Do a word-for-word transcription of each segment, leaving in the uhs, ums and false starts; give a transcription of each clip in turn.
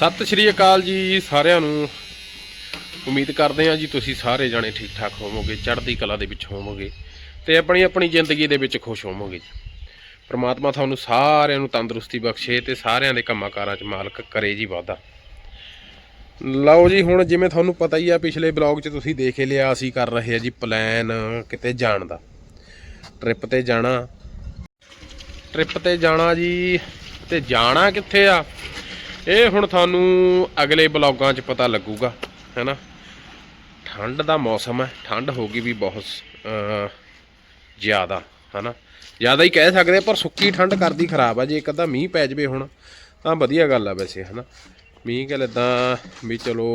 ਸਤਿ ਸ਼੍ਰੀ ਅਕਾਲ ਜੀ ਸਾਰਿਆਂ ਨੂੰ। ਉਮੀਦ ਕਰਦੇ ਹਾਂ ਜੀ ਤੁਸੀਂ ਸਾਰੇ ਜਾਣੇ ਠੀਕ ਠਾਕ ਹੋਵੋਗੇ, ਚੜ੍ਹਦੀ ਕਲਾ ਦੇ ਵਿੱਚ ਹੋਵੋਗੇ ਤੇ ਆਪਣੀ ਆਪਣੀ ਜ਼ਿੰਦਗੀ ਦੇ ਵਿੱਚ ਖੁਸ਼ ਹੋਵੋਗੇ ਜੀ। ਪ੍ਰਮਾਤਮਾ ਤੁਹਾਨੂੰ ਸਾਰਿਆਂ ਨੂੰ ਤੰਦਰੁਸਤੀ ਬਖਸ਼ੇ ਤੇ ਸਾਰਿਆਂ ਦੇ ਕੰਮਾਂ ਕਾਰਾਂ 'ਚ ਮਾਲਕ ਕਰੇ ਜੀ ਵਾਧਾ। ਲਓ ਜੀ, ਹੁਣ ਜਿਵੇਂ ਤੁਹਾਨੂੰ ਪਤਾ ਹੀ ਆ, ਪਿਛਲੇ ਬਲੌਗ 'ਚ ਤੁਸੀਂ ਦੇਖ ਹੀ ਲਿਆ, ਅਸੀਂ ਕਰ ਰਹੇ ਆ ਜੀ ਪਲਾਨ ਕਿਤੇ ਜਾਣ ਦਾ। ਟ੍ਰਿਪ ਤੇ ਜਾਣਾ ਟ੍ਰਿਪ ਤੇ ਜਾਣਾ ਜੀ। ਤੇ ਜਾਣਾ ਕਿੱਥੇ ਆ ਇਹ ਹੁਣ ਤੁਹਾਨੂੰ ਅਗਲੇ ਬਲੌਗਾਂ 'ਚ ਪਤਾ ਲੱਗੂਗਾ, ਹੈ ਨਾ। ਠੰਡ ਦਾ ਮੌਸਮ ਹੈ, ਠੰਡ ਹੋ ਗਈ ਵੀ ਬਹੁਤ ਜ਼ਿਆਦਾ, ਹੈ ਨਾ। ਜ਼ਿਆਦਾ ਹੀ ਕਹਿ ਸਕਦੇ, ਪਰ ਸੁੱਕੀ ਠੰਡ ਕਰਦੀ ਖਰਾਬ ਆ। ਜੇ ਇੱਕ ਅੱਧਾ ਮੀਂਹ ਪੈ ਜਾਵੇ ਹੁਣ ਤਾਂ ਵਧੀਆ ਗੱਲ ਆ ਵੈਸੇ, ਹੈ ਨਾ। ਮੀਂਹ ਗੱਲ ਇੱਦਾਂ ਵੀ ਚਲੋ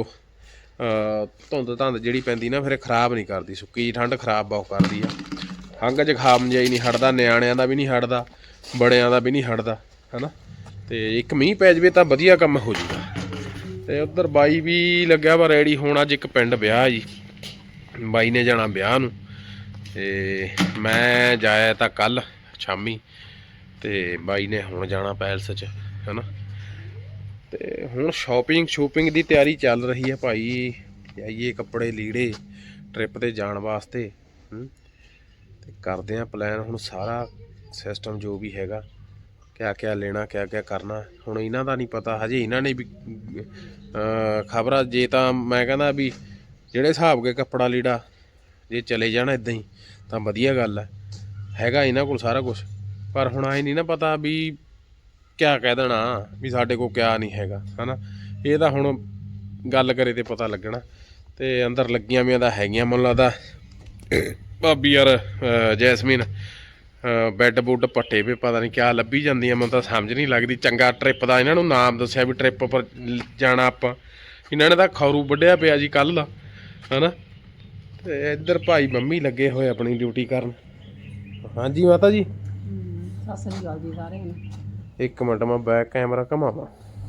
ਧੁੰਦ ਧੰਦ ਜਿਹੜੀ ਪੈਂਦੀ ਨਾ ਫਿਰ ਖਰਾਬ ਨਹੀਂ ਕਰਦੀ, ਸੁੱਕੀ ਠੰਡ ਖਰਾਬ ਬਹੁਤ ਕਰਦੀ ਆ। ਖੰਘ ਜ਼ੁਕਾਮ ਜਿਹਾ ਹੀ ਨਹੀਂ ਹਟਦਾ, ਨਿਆਣਿਆਂ ਦਾ ਵੀ ਨਹੀਂ ਹਟਦਾ, ਬੜਿਆਂ ਦਾ ਵੀ ਨਹੀਂ ਹਟਦਾ, ਹੈ ਨਾ। ਤੇ ਇੱਕ ਮੀਂਹ ਪੈ ਜਾਵੇ ਤਾਂ ਵਧੀਆ ਕੰਮ ਹੋ ਜੂਗਾ। ਤੇ ਉੱਧਰ ਬਾਈ ਵੀ ਲੱਗਿਆ ਵਾ ਰੈਡੀ ਹੋਣ। ਅੱਜ ਇੱਕ ਪਿੰਡ ਵਿਆਹ ਜੀ, ਬਾਈ ਨੇ ਜਾਣਾ ਵਿਆਹ ਨੂੰ। ਤੇ ਮੈਂ ਜਾਇਆ ਤਾਂ ਕੱਲ ਸ਼ਾਮੀ, ਤੇ ਬਾਈ ਨੇ ਹੁਣ ਜਾਣਾ ਪੈਲਸ 'ਚ, ਹੈ ਨਾ। ਤੇ ਹੁਣ ਸ਼ੋਪਿੰਗ ਸ਼ੂਪਿੰਗ ਦੀ ਤਿਆਰੀ ਚੱਲ ਰਹੀ ਹੈ ਭਾਈ। ਜਾਈਏ ਕੱਪੜੇ ਲੀੜੇ ਟ੍ਰਿਪ ਤੇ ਜਾਣ ਵਾਸਤੇ। ਤੇ ਕਰਦੇ ਹਾਂ ਪਲਾਨ ਹੁਣ, ਸਾਰਾ ਸਿਸਟਮ ਜੋ ਵੀ ਹੈਗਾ, ਕਿਆ ਕਿਆ ਲੈਣਾ, ਕਿਆ ਕਿਆ ਕਰਨਾ। ਹੁਣ ਇਹਨਾਂ ਦਾ ਨਹੀਂ ਪਤਾ ਹਜੇ, ਇਹਨਾਂ ਨੇ ਵੀ ਖਬਰਾਂ। ਜੇ ਤਾਂ ਮੈਂ ਕਹਿੰਦਾ ਵੀ ਜਿਹੜੇ ਹਿਸਾਬ ਕੇ ਕੱਪੜਾ ਲੀੜਾ ਜੇ ਚਲੇ ਜਾਣਾ ਇੱਦਾਂ ਹੀ ਤਾਂ ਵਧੀਆ ਗੱਲ ਹੈ, ਹੈਗਾ ਇਹਨਾਂ ਕੋਲ ਸਾਰਾ ਕੁਛ। ਪਰ ਹੁਣ ਆਏ ਨਹੀਂ ਨਾ ਪਤਾ ਵੀ ਕਿਆ ਕਹਿ ਦੇਣਾ ਵੀ ਸਾਡੇ ਕੋਲ ਕਿਆ ਨਹੀਂ ਹੈਗਾ, ਹੈ ਨਾ। ਇਹ ਤਾਂ ਹੁਣ ਗੱਲ ਕਰੇ ਤੇ ਪਤਾ ਲੱਗਣਾ। ਤੇ ਅੰਦਰ ਲੱਗੀਆਂ ਵੀਆਂ ਤਾਂ ਹੈਗੀਆਂ ਮੈਨੂੰ ਲੱਗਦਾ ਭਾਬੀ ਯਾਰ ਜੈਸਮੀਨ, ਬੈੱਡ ਬੁੱਡ ਪੱਟੇ ਵੀ ਪਤਾ ਨਹੀਂ ਕਿਆ ਲੱਭੀ ਜਾਂਦੀਆਂ, ਮੈਨੂੰ ਤਾਂ ਸਮਝ ਨਹੀਂ ਲੱਗਦੀ। ਚੰਗਾ ਟ੍ਰਿਪ ਦਾ ਇਹਨਾਂ ਨੂੰ ਨਾਮ ਦੱਸਿਆ ਵੀ ਟ੍ਰਿਪ ਪਰ ਜਾਣਾ ਆਪਾਂ। ਇਹਨਾਂ ਨੇ ਤਾਂ ਖਰੂ ਵੱਢਿਆ ਪਿਆ ਜੀ ਕੱਲ੍ਹ ਦਾ, ਹੈ ਨਾ। ਤੇ ਇੱਧਰ ਭਾਈ ਮੰਮੀ ਲੱਗੇ ਹੋਏ ਆਪਣੀ ਡਿਊਟੀ ਕਰਨ। ਹਾਂਜੀ ਮਾਤਾ ਜੀ, ਸਤਿ ਸ੍ਰੀ ਅਕਾਲ ਜੀ ਸਾਰਿਆਂ ਨੂੰ। ਇੱਕ ਮਿੰਟ ਮੈਂ ਬੈਕ ਕੈਮਰਾ ਘਮਾਵਾਂ।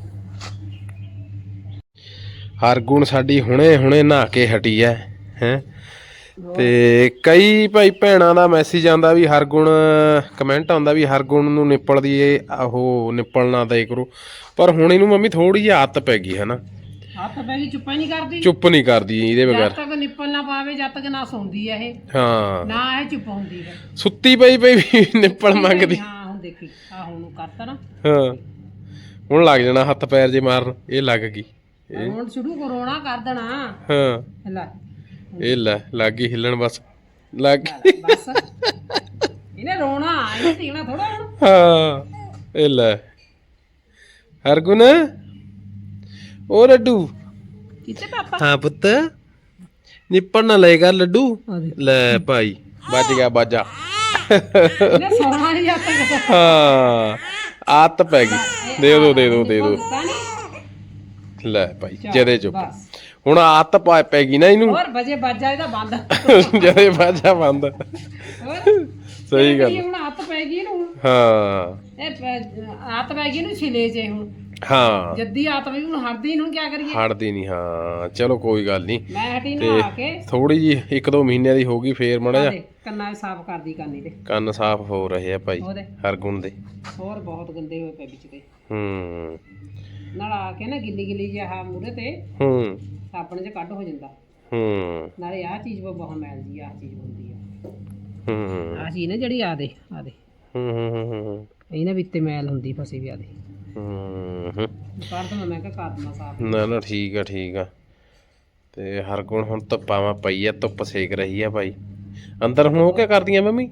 ਹਰਗੁਣ ਸਾਡੀ ਹੁਣੇ ਹੁਣੇ ਨਹਾ ਕੇ ਹਟੀ ਹੈ ਹੈਂ। ਤੇ ਕਈ ਭਾਈ ਭੈਣਾਂ ਦਾ ਮੈਸੇਜ ਆਉਂਦਾ ਵੀ ਹਰਗੁਣ, ਕਮੈਂਟ ਆਉਂਦਾ ਵੀ ਹਰਗੁਣ ਨੂੰ ਨਿੱਪਲ ਦੀ ਉਹ ਨਿੱਪਲ ਨਾ ਦੇ ਕਰੋ। ਪਰ ਹੁਣ ਇਹਨੂੰ ਮੰਮੀ ਥੋੜੀ ਜਿਹੀ ਆਦਤ ਪੈ ਗਈ, ਹੈ ਨਾ। ਹੱਥ ਪੈ ਗਈ, ਚੁੱਪ ਨਹੀਂ ਕਰਦੀ, ਚੁੱਪ ਨਹੀਂ ਕਰਦੀ ਇਹਦੇ ਬਗੈਰ। ਜਦ ਤੱਕ ਨਿੱਪਲ ਨਾ ਪਾਵੇ, ਜਦ ਤੱਕ ਨਾ ਸੌਂਦੀ ਹੈ ਇਹ, ਹਾਂ ਨਾ ਇਹ ਚੁੱਪ ਹੁੰਦੀ ਹੈ। ਸੁੱਤੀ ਪਈ ਪਈ ਵੀ ਨਿੱਪਲ ਮੰਗਦੀ। ਹਾਂ ਹੁਣ ਦੇਖੀ, ਆ ਹੁਣ ਕਰਤਾ ਨਾ। ਹਾਂ ਹੁਣ ਲੱਗ ਜਾਣਾ ਹੱਥ ਪੈਰ ਜੇ ਮਾਰਨ। ਇਹ ਲੱਗ ਗਈ, ਹੁਣ ਸ਼ੁਰੂ ਕਰੋਣਾ ਕਰ ਦੇਣਾ। ਹਾਂ ਲੈ ਇਹ ਲੈ ਲੱਗ ਗਈ ਹਿੱਲਣ, ਬਸ ਲੱਗ ਗਈ ਬਸ। ਇਹਨੇ ਰੋਣਾ, ਇਹਨੇ ਟਿਕਣਾ ਥੋੜਾ ਹੁਣ। ਹਾਂ ਇਹ ਲੈ ਹਰਗੁਣ, ਉਹ ਲੱਡੂ ਕਿੱਥੇ ਪਾਪਾ? ਹਾਂ ਪੁੱਤ, ਨਿੱਪਣ ਨਾ ਲਏਗਾ ਲੱਡੂ। ਲੈ ਭਾਈ ਵੱਜ ਗਿਆ ਬਾਜਾ। ਇਹਨੇ ਸੌਣਾ ਨਹੀਂ ਜਦ ਤੱਕ। ਹਾਂ ਆਦਤ ਪੈ ਗਈ। ਦੇ ਦੋ ਦੇ ਦੋ ਦੇ ਦੋ। ਲੈ ਭਾਈ ਜਦੇ ਚੁੱਪ। ਹੁਣ ਆਦਤ ਪਾ ਪੈ ਗਈ ਨਾ ਇਹਨੂੰ। ਹੋਰ ਵਜੇ ਬਾਜਾ ਇਹਦਾ ਬੰਦ। ਜਦੇ ਬਾਜਾ ਬੰਦ। ਸਹੀ ਗੱਲ। ਹੁਣ ਹੱਥ ਪੈ ਗਈ ਇਹਨੂੰ। ਹਾਂ ਇਹ ਆਦਤ ਪੈ ਗਈ ਇਹਨੂੰ ਛਿਲੇ ਜੇ ਹੁਣ। ਹਾਂ ਜੱਦੀ ਆਦਤ ਪਈ ਹੁਣ, ਹਟਦੀ ਨੂੰ ਕੀ ਕਰੀਏ। ਹਟਦੀ ਨਹੀਂ। ਹਾਂ ਚਲੋ ਕੋਈ ਗੱਲ ਨਹੀਂ। ਮੈਂ ਹਟੀ ਨਹਾ ਕੇ ਥੋੜੀ ਜੀ ਇੱਕ ਦੋ ਮਹੀਨਿਆਂ ਦੀ ਹੋ ਗਈ, ਫੇਰ ਮਾੜਾ ਜਿਹਾ ਕੰਨਾਂ ਸਾਫ਼ ਕਰਦੀ ਕਾਨੀ ਤੇ ਕੰਨ ਸਾਫ਼ ਹੋ ਰਹੇ ਆ ਭਾਈ ਹਰਗੁਣ ਦੇ। ਹੋਰ ਬਹੁਤ ਗੰਦੇ ਹੋਏ ਪਏ ਵਿੱਚ ਤੇ। ਹੂੰ ਨਲਾ ਕੇ ਨਾ ਗਿੱਲੀ ਗਿੱਲੀ ਜਿਹਾ ਮੂਹਰੇ ਤੇ ਹੂੰ ਸਾਬਣ 'ਚ ਕੱਢ ਹੋ ਜਾਂਦਾ। ਹੂੰ ਨਾਲੇ ਆਹ ਚੀਜ਼ ਬਹੁਤ ਮੈਲ ਜੀ, ਆਹ ਚੀਜ਼ ਹੁੰਦੀ ਆ। ਹੂੰ ਆਹ ਚੀਜ਼ ਨਾ ਜਿਹੜੀ ਆ ਦੇ ਆ ਦੇ ਹੂੰ ਹੂੰ ਹੂੰ ਇਹਨਾਂ ਵਿੱਚ ਤੇ ਮੈਲ ਹੁੰਦੀ ਫਸੀ ਵੀ ਆ ਦੇ। ਹੂੰ ਕਰ ਦਵਾਂ ਮੈਂ ਕਿਹਾ ਕਰ ਦਵਾਂ ਸਾਫ਼। ਨਾ ਨਾ ਠੀਕ ਆ ਠੀਕ ਆ। ਤੇ ਹਰਗੁਣ ਹੁਣ ਧੁੱਪਾਂ ਵਾ ਪਈ ਆ, ਧੁੱਪ ਸੇਕ ਰਹੀ ਆ ਭਾਈ ਅੰਦਰ। ਹੁਣ ਉਹ ਕਿਆ ਕਰਦੀਆਂ ਮੰਮੀ?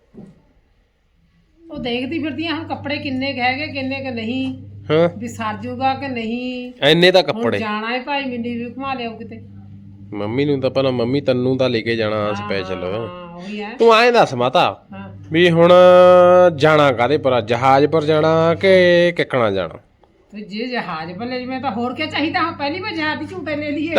ਉਹ ਦੇਖਦੀ ਫਿਰਦੀ ਆ ਹੁਣ ਕੱਪੜੇ ਕਿੰਨੇ ਕੁ ਹੈਗੇ, ਕਿੰਨੇ ਕੁ ਨਹੀਂ, ਹਾਂ ਵੀ ਸਰ ਜੂਗਾ ਕਿ ਨਹੀਂ। ਐਨੇ ਤਾਂ ਹੁਣ ਕੱਪੜੇ ਜਾਣਾ ਹੈ ਭਾਈ, ਮਿੰਨੀ ਵੀ ਘੁਮਾ ਲਿਆਓ ਕਿਤੇ। ਮੰਮੀ ਨੂੰ ਤਾਂ ਪਹਿਲਾਂ, ਮੰਮੀ ਤੈਨੂੰ ਤਾਂ ਲੈ ਕੇ ਜਾਣਾ ਸਪੈਸ਼ਲ। ਹਾਂ ਉਹੀ ਹੈ। ਤੂੰ ਐਂ ਦੱਸ ਮਾਤਾ ਹਾਂ ਵੀ ਹੁਣ ਜਾਣਾ ਕਾਹਦੇ ਪਰ? ਜਹਾਜ਼ ਪਰ ਜਾਣਾ ਕਿ ਕਿੱਕਣਾ ਜਾਣਾ? ਤੇ ਜੇ ਜਹਾਜ਼ ਪਰ ਲੈ ਜਾਵੇਂ ਤਾਂ ਹੋਰ ਕੀ ਚਾਹੀਦਾ। ਹਾਂ ਪਹਿਲੀ ਵਾਰ ਜਹਾਜ਼ ਦੀ ਝੂਟੇ ਲੈ ਲਈਏ।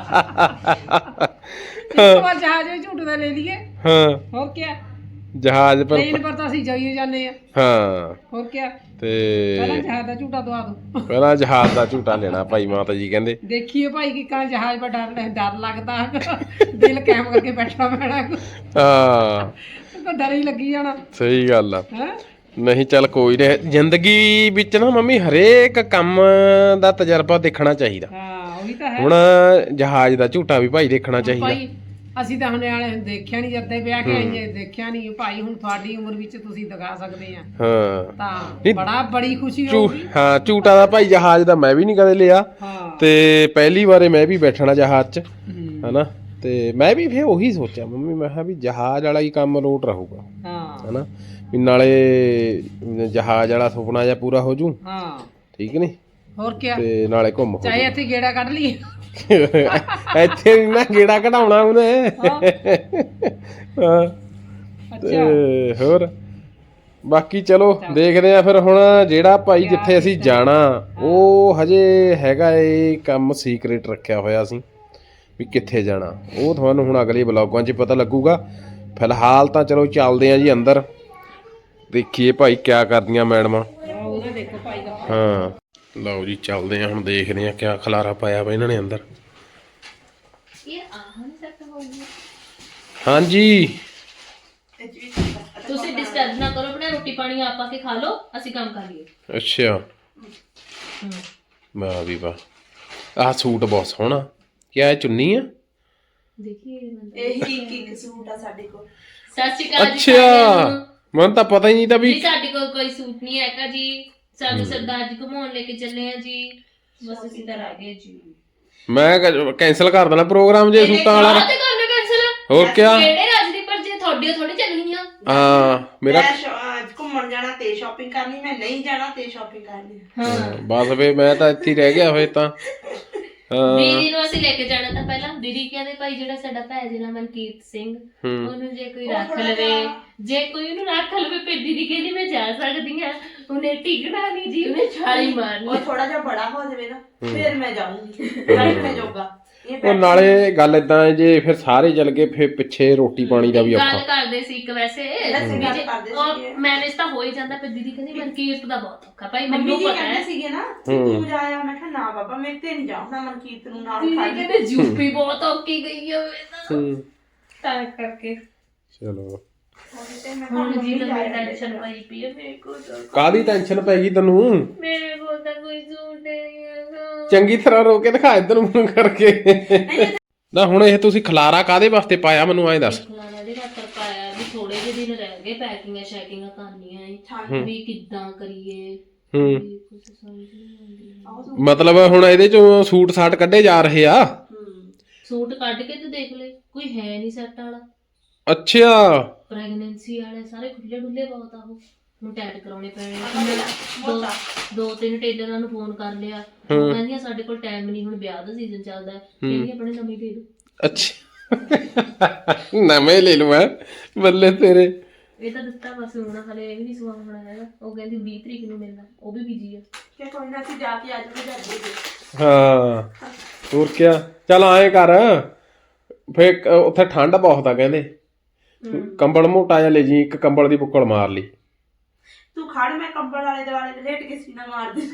ਇੱਕ ਵਾਰ ਜਹਾਜ਼ ਵਿੱਚ ਝੂਟ ਦਾ ਲੈ ਲਈਏ। ਹਾਂ ਹੋਰ ਕੀ ਜਹਾਜ਼ ਪਰ। ਟ੍ਰੇਨ ਪਰ ਤਾਂ ਅਸੀਂ ਜਾਈਏ ਜਾਂਦੇ ਆ। ਹਾਂ ਹੋਰ ਕੀ ਤੇ ਪਹਿਲਾਂ ਜਹਾਜ਼ ਦਾ ਝੂਟਾ ਦਵਾ ਦੋ। ਪਹਿਲਾਂ ਜਹਾਜ਼ ਦਾ ਝੂਟਾ ਲੈਣਾ ਭਾਈ, ਮਾਤਾ ਜੀ ਕਹਿੰਦੇ। ਦੇਖੀਏ ਭਾਈ ਕਿ ਕਾਂ ਜਹਾਜ਼ ਪਰ ਡਰ ਡਰ ਲੱਗਦਾ, ਦਿਲ ਕੈਮ ਕਰਕੇ ਬੈਠਣਾ ਪੈਣਾ। ਹਾਂ ਕੋਈ ਡਰ ਹੀ ਲੱਗੀ ਜਾਣਾ। ਸਹੀ ਗੱਲ ਆ। ਹੈ ਨਹੀਂ ਚੱਲ ਕੋਈ ਨਹੀਂ, ਜ਼ਿੰਦਗੀ ਵਿੱਚ ਨਾ ਮੰਮੀ ਹਰੇਕ ਕੰਮ ਦਾ ਤਜਰਬਾ ਦੇਖਣਾ ਚਾਹੀਦਾ। ਹਾਂ ਉਹੀ ਤਾਂ ਹੈ। ਹੁਣ ਜਹਾਜ਼ ਦਾ ਝੂਟਾ ਵੀ ਭਾਈ ਦੇਖਣਾ ਚਾਹੀਦਾ। ਭਾਈ ਅਸੀਂ ਤਾਂ ਹੁਣੇ ਵਾਲੇ ਦੇਖਿਆ ਨਹੀਂ, ਜਦ ਦੇ ਵਿਆਹ ਕੇ ਆਈਏ ਦੇਖਿਆ ਨਹੀਂ ਭਾਈ। ਹੁਣ ਤੁਹਾਡੀ ਉਮਰ ਵਿੱਚ ਤੁਸੀਂ ਦਿਖਾ ਸਕਦੇ ਆ ਹਾਂ ਤਾਂ ਬੜਾ ਬੜੀ ਖੁਸ਼ੀ ਝੂ ਹੋਊਗੀ। ਹਾਂ ਝੂਟਾ ਦਾ ਭਾਈ ਜਹਾਜ਼ ਦਾ ਮੈਂ ਵੀ ਨਹੀਂ ਕਦੇ ਲਿਆ, ਹਾਂ ਤੇ ਪਹਿਲੀ ਵਾਰੇ ਮੈਂ ਵੀ ਬੈਠਣਾ ਜਹਾਜ਼ 'ਚ ਹੂੰ, ਹਨਾ। ਤੇ ਮੈਂ ਵੀ ਫਿਰ ਉਹੀ ਸੋਚਿਆ ਮੰਮੀ, ਮੈਂ ਕਿਹਾ ਵੀ ਜਹਾਜ਼ ਵਾਲਾ ਹੀ ਕੰਮ ਲੋਟ ਰਹੂਗਾ ਹਾਂ ਹਨਾ, ਵੀ ਨਾਲੇ ਜਹਾਜ਼ ਵਾਲਾ ਸੁਪਨਾ ਜਿਹਾ ਪੂਰਾ ਹੋ ਜੂ, ਹਾਂ ਠੀਕ ਨਹੀਂ, ਹੋਰ ਕੀ, ਤੇ ਨਾਲੇ ਘੁੰਮ ਹੋ ਚਾਹੇ ਇੱਥੇ ਗੇੜਾ ਕੱਢ ਲਈਏ। ਜੂ। ਇੱਥੇ ਨੀ ਨਾ ਗੇੜਾ ਕਢਾਉਣਾ ਉਹਨੇ। ਹਾਂ ਅੱਛਾ ਤੇ ਹੋਰ ਬਾਕੀ ਚਲੋ ਦੇਖਦੇ ਆ ਫਿਰ। ਹੁਣ ਜਿਹੜਾ ਭਾਈ ਜਿੱਥੇ ਅਸੀਂ ਜਾਣਾ ਉਹ ਹਜੇ ਹੈਗਾ ਏ ਕੰਮ ਸੀਕ੍ਰੇਟ ਰੱਖਿਆ ਹੋਇਆ ਸੀ ਵੀ ਕਿੱਥੇ ਜਾਣਾ, ਉਹ ਤੁਹਾਨੂੰ ਹੁਣ ਅਗਲੇ ਵਲੋਗਾਂ 'ਚ ਪਤਾ ਲੱਗੂਗਾ। ਫਿਲਹਾਲ ਤਾਂ ਚਲੋ ਚੱਲਦੇ ਆ ਜੀ ਅੰਦਰ, ਦੇਖੀਏ ਭਾਈ ਕਿਆ ਕਰਦੀਆਂ ਮੈਡਮਾਂ। ਉਹਦਾ ਦੇਖੋ ਭਾਈ ਦਾ ਹਾਂ ਲਓ ਜੀ ਚੱਲਦੇ ਆ ਹੁਣ, ਦੇਖਦੇ ਆ ਕਿਆ ਖਲਾਰਾ ਪਾਇਆ ਵਾ ਇਹਨਾਂ ਨੇ ਅੰਦਰ। ਹਾਂਜੀ ਤੁਸੀਂ ਡਿਸਟਰਬ ਨਾ ਕਰੋ, ਆਪਣਾ ਰੋਟੀ ਪਾਣੀ ਆਪ ਆ ਕੇ ਖਾ ਲਓ, ਅਸੀਂ ਕੰਮ ਕਰ ਲਈਏ। ਅੱਛਾ ਵਾਹ ਵੀ ਵਾਹ, ਆਹ ਸੂਟ ਬਹੁਤ ਸੋਹਣਾ, ਕਿਆ ਇਹ ਚੁੰਨੀ ਆ? ਦੇਖੀਏ ਇਹੀ ਇੱਕ ਇੱਕ ਸੂਟ ਆ ਸਾਡੇ ਕੋਲ। ਸਤਿ ਸ਼੍ਰੀ ਅਕਾਲ ਜੀ ਸਾਰਿਆਂ ਅੱਛਾ ਨੂੰ। ਮੈਨੂੰ ਤਾਂ ਪਤਾ ਹੀ ਨਹੀਂ ਤਾਂ ਵੀ। ਜੀ ਸਾਡੇ ਕੋਲ ਕੋਈ ਸੂਟ ਨਹੀਂ ਹੈਗਾ ਜੀ, ਸਾਨੂੰ ਸਰਦਾਰ ਜੀ ਘੁਮਾਉਣ ਲੈ ਕੇ ਚੱਲੇ ਆ ਜੀ, ਬਸ ਅਸੀਂ ਤਾਂ ਰਹਿ ਗਏ ਜੀ। ਮੈਂ ਕੈਂਸਲ ਕਰ ਦੇਣਾ ਪ੍ਰੋਗਰਾਮ ਜੇ ਸੂਟਾਂ ਵਾਲਾ। ਆਹ ਤੇ ਕਰਨਾ ਕੈਂਸਲ, ਹੋਰ ਕਿਆ? ਕਿਹੜੇ ਰਾਜ ਦੀ, ਪਰ ਜੇ ਤੁਹਾਡੇ ਥੋੜੀ ਚੱਲਣੀਆਂ। ਹਾਂ ਮੇਰਾ ਮੈਂ ਸ਼ੋ- ਅਹ ਘੁੰਮਣ ਜਾਣਾ ਤੇ ਸ਼ਾਪਿੰਗ ਕਰਨੀ, ਮੈਂ ਨਹੀਂ ਜਾਣਾ ਤੇ ਸ਼ਾਪਿੰਗ ਕਰਨੀ। ਹਾਂ ਬਸ ਵੇ ਮੈਂ ਤਾਂ ਇੱਥੇ ਹੀ ਰਹਿ ਗਿਆ ਹੋਏ ਤਾਂ। ਹਾਂ ਦੀਦੀ ਨੂੰ ਅਸੀਂ ਲੈ ਕੇ ਜਾਣਾ ਤਾਂ ਪਹਿਲਾਂ ਦੀਦੀ ਕਹਿੰਦੇ ਭਾਈ ਜਿਹੜਾ ਸਾਡਾ ਭੈ ਜਿਹੜਾ ਮਨਕੀਰਤ ਸਿੰਘ, ਹੂੰ। ਉਹਨੂੰ ਜੇ ਕੋਈ ਰੱਖ ਲਵੇ, ਜੇ ਕੋਈ ਉਹਨੂੰ ਰੱਖ ਲਵੇ, ਫਿਰ ਦੀਦੀ ਕਹਿੰਦੀ ਮੈਂ ਜਾ ਸਕਦੀ ਆ, ਉਹਨੇ ਟਿਕਣਾ ਨਹੀਂ ਜੀ, ਉਹਨੇ ਛਾਲੀ ਮਾਰਨੀ। ਉਹ ਥੋੜਾ ਜਿਹਾ ਬੜਾ ਹੋ ਜਾਵੇ ਨਾ ਫਿਰ ਮੈਂ ਜਾਊਂਗੀ, ਬੈਠਣੇ ਜੋਗਾ। ਇਹ ਉਹ ਨਾਲੇ ਗੱਲ ਏਦਾਂ ਹੈ, ਜੇ ਫਿਰ ਸਾਰੇ ਚੱਲ ਗਏ ਫਿਰ ਪਿੱਛੇ ਰੋਟੀ ਪਾਣੀ ਦਾ ਵੀ ਗੱਲ ਔਖਾ। ਕਰਦੇ ਸੀ ਇੱਕ ਵੈਸੇ ਅਸੀਂ ਗੱਲ ਕਰਦੇ ਸੀਗੇ। ਮੈਨੇਜ ਤਾਂ ਹੋ ਹੀ ਜਾਂਦਾ, ਪਰ ਦੀਦੀ ਕਹਿੰਦੀ ਮਨਕੀਰਤ ਦਾ ਬਹੁਤ ਔਖਾ ਭਾਈ, ਮੰਮੀ ਮੈਨੂੰ ਜੀ ਪਤਾ ਕਹਿੰਦੇ ਹੈ। ਸੀਗੇ ਨਾ ਤੂੰ ਜਾਇਆ, ਮੈਂ ਕਿਹਾ ਨਾ ਬਾਬਾ ਮੇਰੇ ਤੇ ਨਹੀਂ ਜਾਣਾ, ਮਨਕੀਰਤ ਨੂੰ ਨਾਲ ਦੀਦੀ ਖੜ ਕੇ। ਕਹਿੰਦੇ ਯੂਪੀ ਬਹੁਤ ਔਖੀ ਗਈ ਹੋਵੇ ਤਾਂ ਹੂੰ ਤਾਂ ਕਰਕੇ ਚਲੋ ਹੁਣ ਜੀ ਨਵੀਂ ਟੈਨਸ਼ਨ ਪਾਈ ਪਈ ਹੈ ਮੇਰੇ ਕੋਲ ਤਾਂ। ਕਾਹਦੀ ਟੈਨਸ਼ਨ ਪੈ ਗਈ ਤੈਨੂੰ? ਮੇਰੇ ਕੋਲ ਤਾਂ ਕੋਈ ਸੂਟ ਨਹੀਂ ਹੈਗਾ। ਚੰਗੀ ਤਰ੍ਹਾਂ ਰੋ ਕੇ ਦਿਖਾ ਇੱਧਰ ਮੂੰਹ ਕਰਕੇ। ਨਾ ਹੁਣ ਇਹ ਤੁਸੀਂ ਖਲਾਰਾ ਕਾਹਦੇ ਵਾਸਤੇ ਪਾਇਆ ਮੈਨੂੰ ਐਂ ਦੱਸ। ਖਲਾਰਾ ਦੇ ਖਾਤਰ ਪਾਇਆ ਵੀ ਥੋੜੇ ਜਿਹੇ ਦਿਨ ਰਹਿ ਗਏ, ਪੈਕਿੰਗਾਂ ਸ਼ੈਕਿੰਗਾਂ ਕਰਨੀਆਂ ਏ ਵੀ ਕਿੱਦਾਂ ਕਰੀਏ, ਹੂੰ ਵੀ ਕੁਝ ਸਮਝ ਨਹੀਂ ਆਉਂਦੀ। ਮਤਲਬ ਹੁਣ ਇਹਦੇ ਚੋਂ ਸੂਟ ਸਾਟ ਕੱਢੇ ਜਾ ਰਹੇ ਆ। ਸੂਟ ਕੱਢ ਕੇ ਤੇ ਦੇਖ ਲੈ, ਕੋਈ ਹੈ ਨਹੀਂ ਸੈੱਟ ਵਾਲਾ। ਅੱਛਾ ਪ੍ਰੈਗਨੈਂਸੀ ਵਾਲੇ ਸਾਰੇ ਖੁੱਲੇ ਡੁੱਲੇ ਬਹੁਤ ਆ, ਉਹ ਹੁਣ ਟੈਟ ਕਰਾਉਣੇ ਪੈਣੇ ਆ। ਦੋ ਦੋ ਤਿੰਨ ਟੇਲਰਾਂ ਨੂੰ ਫੋਨ ਕਰ ਲਿਆ, ਉਹ ਕਹਿੰਦੀਆਂ ਸਾਡੇ ਕੋਲ ਟਾਈਮ ਨਹੀਂ, ਹੁਣ ਵਿਆਹ ਦਾ ਸੀਜ਼ਨ ਚੱਲਦਾ ਹੈ, ਕਹਿੰਦੀ ਆਪਣੇ ਨਵੀਂ ਦੇ ਦਿਓ। ਅੱਛਾ ਨਵੇਂ ਲੈ ਲਵਾਂ ਬੱਲੇ ਤੇਰੇ। ਇਹ ਤਾਂ ਦਿੱਤਾ ਬਸ, ਹੁਣ ਹਲੇ ਇਹ ਵੀ ਨਹੀਂ ਸਵਾਉਣਾ ਹੈਗਾ। ਉਹ ਕਹਿੰਦੀ ਵੀਹ ਤਰੀਕ ਨੂੰ ਮਿਲਣਾ, ਉਹ ਵੀ ਬਿਜੀ ਆ। ਕਿ ਕੋਈ ਨਾ ਅਸੀਂ ਜਾ ਕੇ ਅੱਜ ਵੀ ਜਾਂਦੇ। ਹਾਂ ਹੋਰ ਕਿਆ, ਚੱਲ ਆਏ ਕਰ ਫੇਰ ਉੱਥੇ ਠੰਡ ਬਹੁਤ ਆ ਕਹਿੰਦੇ, ਕੰਬਲ ਮੋਟਾ ਜਿਹਾ ਲੈ ਜੀ, ਇੱਕ ਕੰਬਲ ਦੀ ਬੁੱਕਲ ਮਾਰ ਲਈ। ਤੂੰ ਖੜ, ਮੈਂ ਕੰਬਲ ਵਾਲੇ ਦੁਆਲੇ ਤੇ ਲੇਟ ਕੇ ਸੀਨਾ ਮਾਰ ਦੇ।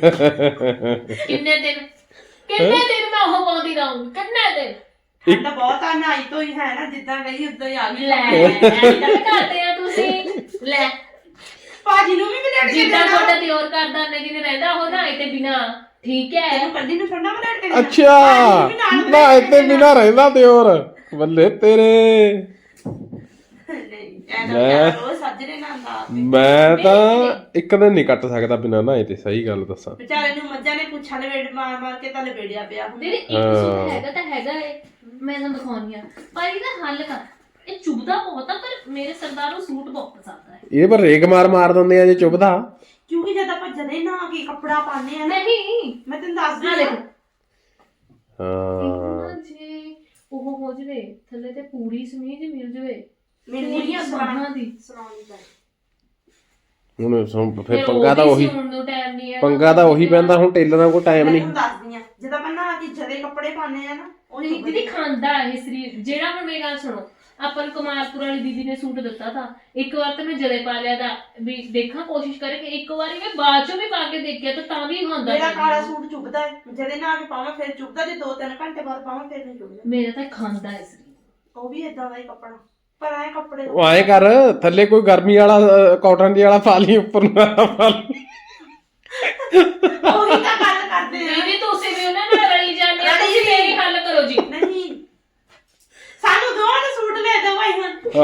ਕਿੰਨੇ ਦਿਨ ਕਿੰਨੇ ਦਿਨ ਮੈਂ ਉਹ ਪਾਉਂਦੀ ਰਹੂੰਗੀ, ਕਿੰਨੇ ਦਿਨ? ਠੰਡ ਬਹੁਤ ਆ, ਨਹਾਈ ਤੋਂ ਹੀ ਹੈ ਨਾ, ਜਿੱਦਾਂ ਗਈ ਉਦਾਂ ਹੀ ਆ ਗਈ। ਲੈ ਐਦਾਂ ਕਰਦੇ ਆ ਤੁਸੀਂ, ਲੈ ਭਾਜੀ ਨੂੰ ਵੀ ਲੇਟ ਕੇ ਜਿੱਦਾਂ ਦੇਣਾ। ਤੁਹਾਡਾ ਦਿਓਰ ਕਰਦਾ ਨੇ ਜਿਹਨੇ ਰਹਿੰਦਾ ਉਹ ਨਾ ਤੇ ਬਿਨਾ, ਠੀਕ ਹੈ। ਤੈਨੂੰ ਕੱਲੀ ਨੂੰ ਠੰਡਾ ਮੈਂ ਲੇਟ ਕੇ ਦੇਣਾ। ਅੱਛਾ ਨਾ ਇੱਥੇ ਬਿਨਾ ਰਹਿੰਦਾ ਤੇ ਹੋਰ ਬੱਲੇ ਤੇਰੇ। ਨਹੀਂ ਐਨਾ ਰੋਜ਼ ਸੱਜਰੇ ਨਾ ਆਂਦਾ। ਮੈਂ ਤਾਂ ਇੱਕ ਦਿਨ ਨਹੀਂ ਕੱਟ ਸਕਦਾ ਬਿਨਾ ਨਹਾਏ ਤੇ, ਸਹੀ ਗੱਲ ਦੱਸਾਂ। ਵਿਚਾਰੇ ਨੂੰ ਮੱਝਾਂ ਨੇ ਪੁੱਛਾਂ ਲਵੇੜ ਮਾਰ ਮਾਰ ਕੇ ਤਾਂ ਲਵੇੜਿਆ ਪਿਆ ਹੁਣ। ਦੀਦੀ ਇੱਕ ਸੂਟ ਹੈਗਾ ਤਾਂ ਹੈਗਾ ਏ, ਮੈਂ ਤੁਹਾਨੂੰ ਦਿਖਾਉਣੀ ਆ, ਪਰ ਇਹਦਾ ਹੱਲ ਕਰ। ਇਹ ਚੁਭਦਾ ਬਹੁਤ ਆ, ਪਰ ਮੇਰੇ ਸਰਦਾਰ ਨੂੰ ਸੂਟ ਬਹੁਤ ਪਸੰਦ ਹੈ। ਇਹ ਪਰ ਰੇਗ ਮਾਰ ਮਾਰ ਦਿੰਦੇ ਆ ਜੇ ਚੁੱਭਦਾ। ਕਿਉਂਕਿ ਜਦ ਆਪਾਂ ਜਦੇ ਨਾ ਕੇ ਕੱਪੜਾ ਪਾਉਂਦੇ ਆ ਨਾ, ਨਹੀਂ ਮੈਂ ਤੈਨੂੰ ਦੱਸਦੀ ਆ ਹਾਂ। ਦੇਖ, ਹਾਂ ਜੇ ਉਹ ਹੋ ਜਵੇ ਥੱਲੇ ਤੇ ਪੂਰੀ ਸਮੀਜ ਮਿਲ ਜਵੇ, ਮੈਨੂੰ ਪੂਰੀਆਂ ਨਹੀਂ ਬਾਹਾਂ ਦੀ ਸੁਣਾਉਣੀ ਪਈ। ਹੁਣ ਸੁਣ ਫਿਰ ਫਿਰ ਪੰਗਾ ਤਾਂ ਉਹ ਉਹੀ ਵੀ ਸਿਉਣ ਨੂੰ ਟਾਈਮ ਨਹੀਂ ਹੈ, ਪੰਗਾ ਤਾਂ ਉਹੀ ਪੈਂਦਾ, ਹੁਣ ਟੇਲਰਾਂ ਕੋਲ ਟਾਈਮ ਮੈਂ ਨਹੀਂ। ਤੁਹਾਨੂੰ ਦੱਸਦੀ ਆ, ਜਦ ਆਪਾਂ ਨਾ ਕੇ ਜਦੇ ਕੱਪੜੇ ਪਾਉਂਦੇ ਆ ਨਾ, ਉਹ ਨਹੀਂ ਦੀਦੀ ਖਾਂਦਾ ਇਹ ਸਰੀਰ। ਜਿਹੜਾ ਹੁਣ ਮੇਰੀ ਗੱਲ ਸੁਣੋ, ਆਪਾਂ ਨੂੰ ਕੁਮਾਰਪੁਰ ਵਾਲੀ ਦੀਦੀ ਨੇ ਸੂਟ ਦਿੱਤਾ ਤਾਂ, ਇੱਕ ਵਾਰ ਤਾਂ ਮੈਂ ਜਦੇ ਪਾ ਲਿਆ ਤਾਂ ਵੀ ਦੇਖਾਂ, ਕੋਸ਼ਿਸ਼ ਕਰਕੇ ਇੱਕ ਵਾਰੀ ਮੈਂ ਬਾਅਦ ਚੋਂ ਵੀ ਪਾ ਕੇ ਦੇਖਿਆ ਤਾਂ ਤਾਂ ਵੀ ਖਾਂਦਾ। ਮੇਰਾ ਕਾਲਾ ਸੂਟ ਚੁੱਭਦਾ ਹੈ, ਜਦੇ ਨਾ ਕੇ ਪਾਵਾਂ ਫਿਰ ਚੁੱਭਦਾ, ਜੇ ਦੋ ਤਿੰਨ ਘੰਟੇ ਬਾਅਦ ਪਾਵਾਂ ਫਿਰ ਨਹੀਂ ਚੁੱਭਦਾ। ਮੇਰਾ ਤਾਂ ਖਾਂਦਾ ਹੈ ਸਰੀਰ। ਉਹ ਵੀ ਇਦਾਂ ਦਾ ਹੀ ਕੱਪੜਾ। ਪਰ ਐ ਕੱਪੜੇ ਉਹ ਐਂ ਕਰ ਥੱਲੇ ਕੋਈ ਗਰਮੀ ਵਾਲਾ ਕਾਟਨ ਦੀ ਵਾਲਾ ਪਾ ਲਈ ਉੱਪਰ ਨੂੰ ਆਹ ਪਾ ਲਈ ਉਹੀ ਤਾਂ ਗੱਲ ਕਰਦੇ ਆ ਦੀਦੀ ਤੁਸੀਂ ਵੀ ਉਹਨਾਂ ਨਾਲ ਰਲੀ ਜਾਂਦੇ ਹੋ ਤੁਸੀਂ ਮੇਰੀ ਹੱਲ ਕਰੋ ਜੀ ਨਹੀਂ ਸਾਨੂੰ ਦੋਵਾਂ ਨੂੰ ਸੂਟ ਲੈ ਦੋ ਭਾਈ ਹੁਣ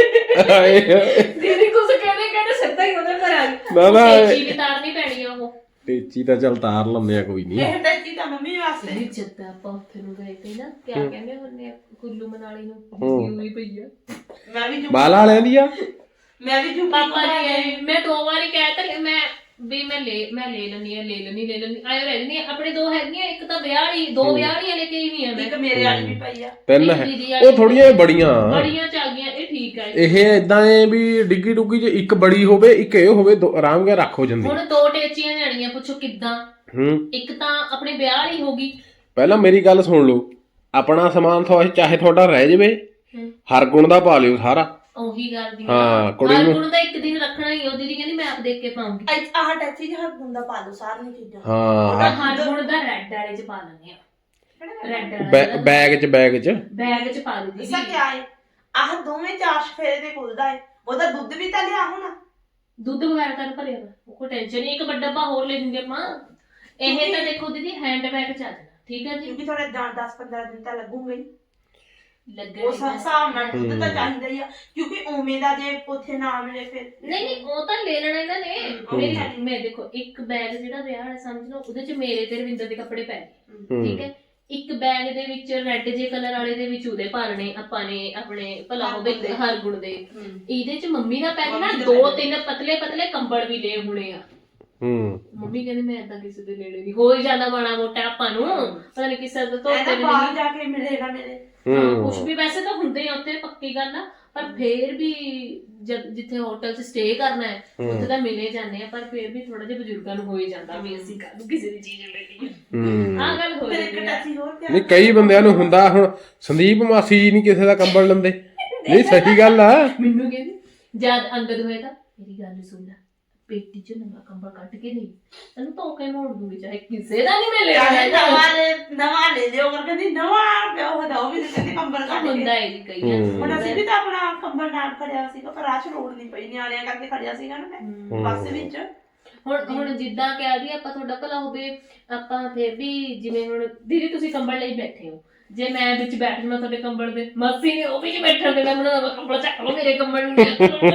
ਹਾਂ ਦੀਦੀ ਕੁਝ ਕਹਿੰਦੇ ਕਹਿੰਦੇ ਸਿੱਧਾ ਹੀ ਉਹਦੇ ਘਰ ਆ ਗਈ ਨਾ ਨਾ ਚੀਜ਼ ਵੀ ਤਾਰਨੀ ਪੈਣੀ ਆ ਉਹ ਟੇਚੀ ਤਾਂ ਚੱਲ ਤਾਰ ਲੰਮੇ ਆ ਕੋਈ ਨਹੀਂ ਇਹ ਟੱਚੀ ਤਾਂ ਮੰਮੀ ਵਾਸਤੇ ਨਹੀਂ ਜਿੱਦਾਂ ਆਪਾਂ ਉੱਥੇ ਨੂੰ ਗਏ ਤੇ ਨਾ ਕਿਆ ਕਹਿੰਦੇ ਹੁੰਦੇ ਆ ਕੁੱਲੂ ਮਨਾਲੀ ਨੂੰ ਜਿੱਦੀ ਹੋਈ ਪਈ ਆ ਮੈਂ ਵੀ ਬਾਲ ਵਾਲਿਆਂ ਦੀ ਆ ਮੈਂ ਵੀ ਜੁੱਤੀ ਪਾਪਾ ਜੀ ਆਏ, ਮੈਂ ਦੋ ਵਾਰੀ ਕਹਿ ਤਾ ਮੈਂ ਵੀ ਮੈਂ ਲੈ ਮੈਂ ਲੈ ਲੈਣੀ ਆ ਲੈ ਲੈਣੀ ਲੈ ਲੈਣੀ ਆਇਓ ਰਹਿ ਜਣੀ ਆਪਣੇ ਦੋ ਹੈਗੀਆਂ ਇੱਕ ਤਾਂ ਵਿਆਹ ਵਾਲੀ ਦੋ ਵਿਆਹ ਵਾਲੀਆਂ ਲੈ ਕੇ ਹੀ ਨਹੀਂ ਆ ਮੈਂ ਇੱਕ ਮੇਰੇ ਵਾਲੀ ਵੀ ਪਈ ਆ ਤਿੰਨ ਇੱਕ ਹੈ ਦੀਦੀ ਵਾਲੀ ਉਹ ਥੋੜੀਆਂ ਬੜੀਆਂ ਬੜੀਆਂ ਚ ਆ ਗਈਆਂ ਇਹ ਠੀਕ ਆ ਇਹ ਇਦਾਂ ਏ ਵੀ ਡਿੱਗੀ ਡੁੱਗੀ ਚ ਇੱਕ ਬੜੀ ਹੋਵੇ ਇੱਕ ਇਹ ਹੋਵੇ ਦੋ- ਆਰਾਮ ਨਾਲ ਰੱਖ ਹੋ ਜਾਂਦੀ ਹੁਣ ਦੋ ਟੇਚੀਆਂ ਜਾਣੀਆਂ ਪੁੱਛੋ ਕਿੱਦਾਂ ਹੂੰ ਇੱਕ ਤਾਂ ਆਪਣੇ ਵਿਆਹ ਵਾਲੀ ਹੋਗੀ ਪਹਿਲਾਂ ਮੇਰੀ ਗੱਲ ਸੁਣ ਲਓ ਆਪਣਾ ਸਮਾਨ ਥੋ ਚਾਹੇ ਤੁਹਾਡਾ ਰਹਿ ਜਾਵੇ ਹੂੰ। ਹਰ ਗੁਣ ਦਾ ਪਾ ਲਿਓ ਸਾਰਾ ਉਹੀ ਗੱਲ ਦੀ ਹਾਂ, ਕੁੜੀ ਨੂੰ- ਨੂੰ ਤਾਂ ਇੱਕ ਦਿਨ ਰੱਖਣਾ ਹੀ ਉਹ ਦੀਦੀ ਕਹਿੰਦੀ ਮੈਂ ਆਪ ਦੇਖ ਕੇ ਪਾਉਂਗੀ ਅੱਜ ਆਹ ਟੱਚੀ ਜਿਹਾ ਗੁੰਦਾ ਪਾ ਲਓ ਸਾਰੀਆਂ ਚੀਜ਼ਾਂ ਹਾਂ ਹਰ ਗੁਣ ਦਾ ਰੈੱਡ ਵਾਲੇ ਚ ਪਾ ਲੈਂਦੇ ਆ ਰੈੱਡ ਵਾਲਾ ਬੈ- ਬੈਗ ਚ ਬੈਗ ਚ ਬੈਗ ਚ ਪਾ ਦੇ ਦੀਦੀ ਦੱਸਾਂ ਕਿਆ ਏ ਆਹ ਦੋਵੇਂ ਚਾਰ ਫੇਰੇ ਦੇ ਖੁੱਲਦਾ ਏ ਉਹਦਾ ਦੁੱਧ ਵੀ ਤਾਂ ਲਿਆ ਹੋਣਾ ਦੁੱਧ ਵਗੈਰਾ ਤਾਂ ਭਰਿਆ ਵਾ ਉਹ ਕੋਈ ਟੈਨਸ਼ਨ ਨਹੀਂ ਇੱਕ ਵੱਡਾ ਡੱਬਾ ਹੋਰ ਲੈ ਲੂੰਗੇ ਆਪਾਂ ਇਹ ਤਾਂ ਦੇਖੋ ਦੀਦੀ ਹੈਂਡ ਬੈਗ ਚ ਆ ਜਾਣਾ ਠੀਕ ਹੈ ਜੀ ਕਿਉਂਕਿ ਥੋੜੇ ਦਸ ਪੰਦਰਾਂ ਦਿਨ ਤਾਂ ਲੱਗੂਗੇ ਹੀ ਲੱਗਣਾ ਉਸ ਹਿਸਾਬ ਨਾਲ ਦੁੱਧ ਤਾਂ ਚਾਹੀਦਾ ਹੀ ਆ ਕਿਉਂਕਿ ਉਵੇਂ ਦਾ ਜੇ ਉੱਥੇ ਨਾ ਮਿਲੇ ਫਿਰ ਨਹੀਂ ਨਹੀਂ ਉਹ ਤਾਂ ਲੈ ਲੈਣਾ ਇਹਨਾਂ ਨੇ ਮੇਰੀ ਮੈਂ ਦੇਖੋ ਇੱਕ ਬੈਗ ਜਿਹੜਾ ਵਿਆਹ ਵਾਲਾ ਸਮਝ ਲਓ ਉਹਦੇ ਚ ਮੇਰੇ ਤੇ ਰਵਿੰਦਰ ਦੇ ਕੱਪੜੇ ਪੈ ਗਏ ਠੀਕ ਹੈ ਇੱਕ ਬੈਗ ਦੇ ਵਿੱਚ ਰੈੱਡ ਜੇ ਕਲਰ ਵਾਲੇ ਦੇ ਵਿੱਚ ਉਹਦੇ ਪਾਲਣੇ ਆਪਾਂ ਨੇ ਆਪਣੇ ਭਲਾ ਹੋਵੇ ਹਰ ਗੁਣ ਦੇ ਇਹਦੇ ਚ ਮੰਮੀ ਦਾ ਪੈ ਗਿਆ ਨਾ ਦੋ ਤਿੰਨ ਪਤਲੇ ਪਤਲੇ ਕੰਬਲ ਵੀ ਲਏ ਹੋਣੇ ਆ ਹੂੰ ਮੰਮੀ ਕਹਿੰਦੀ ਮੈਂ ਏਦਾਂ ਕਿਸੇ ਦੇ ਨੇੜੇ ਨਹੀਂ ਹੋ ਹੀ ਜਾਂਦਾ ਮਾੜਾ ਮੋਟਾ ਆਪਾਂ ਨੂੰ ਪਤਾ ਨਹੀਂ ਕਿਸੇ ਦਾ ਧੋਤੇ ਇਹਦਾ ਬਾਹਰ ਜਾ ਕੇ ਮਿਲੇਗਾ ਮੇਰੇ ਕੁਛ ਵੀ ਵੈਸੇ ਤਾਂ ਹੁੰਦੇ ਆ ਉੱਥੇ ਪੱਕੀ ਗੱਲ ਆ ਪਰ ਫੇਰ ਵੀ ਜਦ ਜਿੱਥੇ ਹੋਟਲ 'ਚ ਸਟੇ ਕਰਨਾ ਹੈ ਉੱਥੇ ਤਾਂ ਮਿਲੇ ਜਾਂਦੇ ਆ ਪਰ ਫੇਰ ਵੀ ਥੋੜਾ ਜਿਹਾ ਬਜ਼ੁਰਗਾਂ ਨੂੰ ਹੋ ਹੀ ਜਾਂਦਾ ਵੀ ਅਸੀਂ ਕਾਹਨੂੰ ਕਿਸੇ ਦੀ ਚੀਜ਼ ਲੈ ਲਈਏ ਹੂੰ ਆਹ ਗੱਲ ਹੋ ਫਿਰ ਇੱਕ ਜਾਂਦੀ ਆ ਟੱਚੀ ਹੋਰ ਪਿਆ ਨਹੀਂ ਕਈ ਬੰਦਿਆਂ ਨੂੰ ਹੁੰਦਾ ਹੁਣ ਸੰਦੀਪ ਮਾਸੀ ਜੀ ਨਹੀਂ ਕਿਸੇ ਦਾ ਕੰਬਲ ਲੈਂਦੇ ਨਹੀਂ ਸਹੀ ਗੱਲ ਆ ਮੈਨੂੰ ਕਹਿੰਦੀ ਜਦ ਅੰਗਦ ਹੋਏ ਤਾਂ ਮੇਰੀ ਗੱਲ ਸੁਣ ਲੈ ਪੇਟੀ 'ਚ ਨਵਾਂ ਕੰਬਲ ਕੱਢ ਕੇ ਨਹੀਂ ਤੈਨੂੰ ਧੋ ਕੇ ਮੋੜ ਦੂੰਗੀ ਚਾਹੇ ਕਿਸੇ ਦਾ ਨਹੀਂ ਮੈਂ ਲੈਣਾ ਚਾਹੇ ਹੈਗਾ। ਨਵਾਂ ਲੈ ਨਵਾਂ ਲੈ ਲਿਓ ਕਰ ਕਹਿੰਦੀ ਨਵਾਂ ਪਿਆ ਉਹਦਾ ਉਹ ਵੀ ਤੇ ਕਹਿੰਦੀ ਕੰਬਲ ਕੱਢ ਹੁੰਦਾ ਕੇ ਹੈ ਜੀ ਕਈਆਂ ਨੂੰ। ਹੁਣ ਅਸੀਂ ਵੀ ਤਾਂ ਆਪਣਾ ਕੰਬਲ ਨਾਲ ਖੜਿਆ ਸੀਗਾ ਪਰ ਰਾਹ 'ਚ ਲੋੜ ਨਹੀਂ ਪਈ ਨਿਆਣਿਆਂ ਕਰਕੇ ਖੜਿਆ ਸੀਗਾ ਨਾ ਮੈਂ ਬੱਸ ਵਿੱਚ ਹੁਣ ਹੁਣ ਜਿੱਦਾਂ ਕਹਿ ਦਈਏ ਆਪਾਂ ਤੁਹਾਡਾ ਭਲਾ ਹੋਵੇ ਆਪਾਂ ਫੇਰ ਵੀ ਜਿਵੇਂ ਹੁਣ ਦੀਦੀ ਤੁਸੀਂ ਕੰਬਲ ਲਈ ਬੈਠੇ ਹੋ ਜੇ ਮੈਂ ਵਿੱਚ ਬੈਠਣਾ ਤੁਹਾਡੇ ਕੰਬਲ ਦੇ ਮਾਸੀ ਨੇ ਉਹ ਵੀ ਨਹੀਂ ਬੈਠਣ ਦੇਣਾ ਮੈਨੂੰ ਕੰਬਲ ਚੱਕ ਲਓ ਮੇਰੇ ਕੰਬਲ ਨੂੰ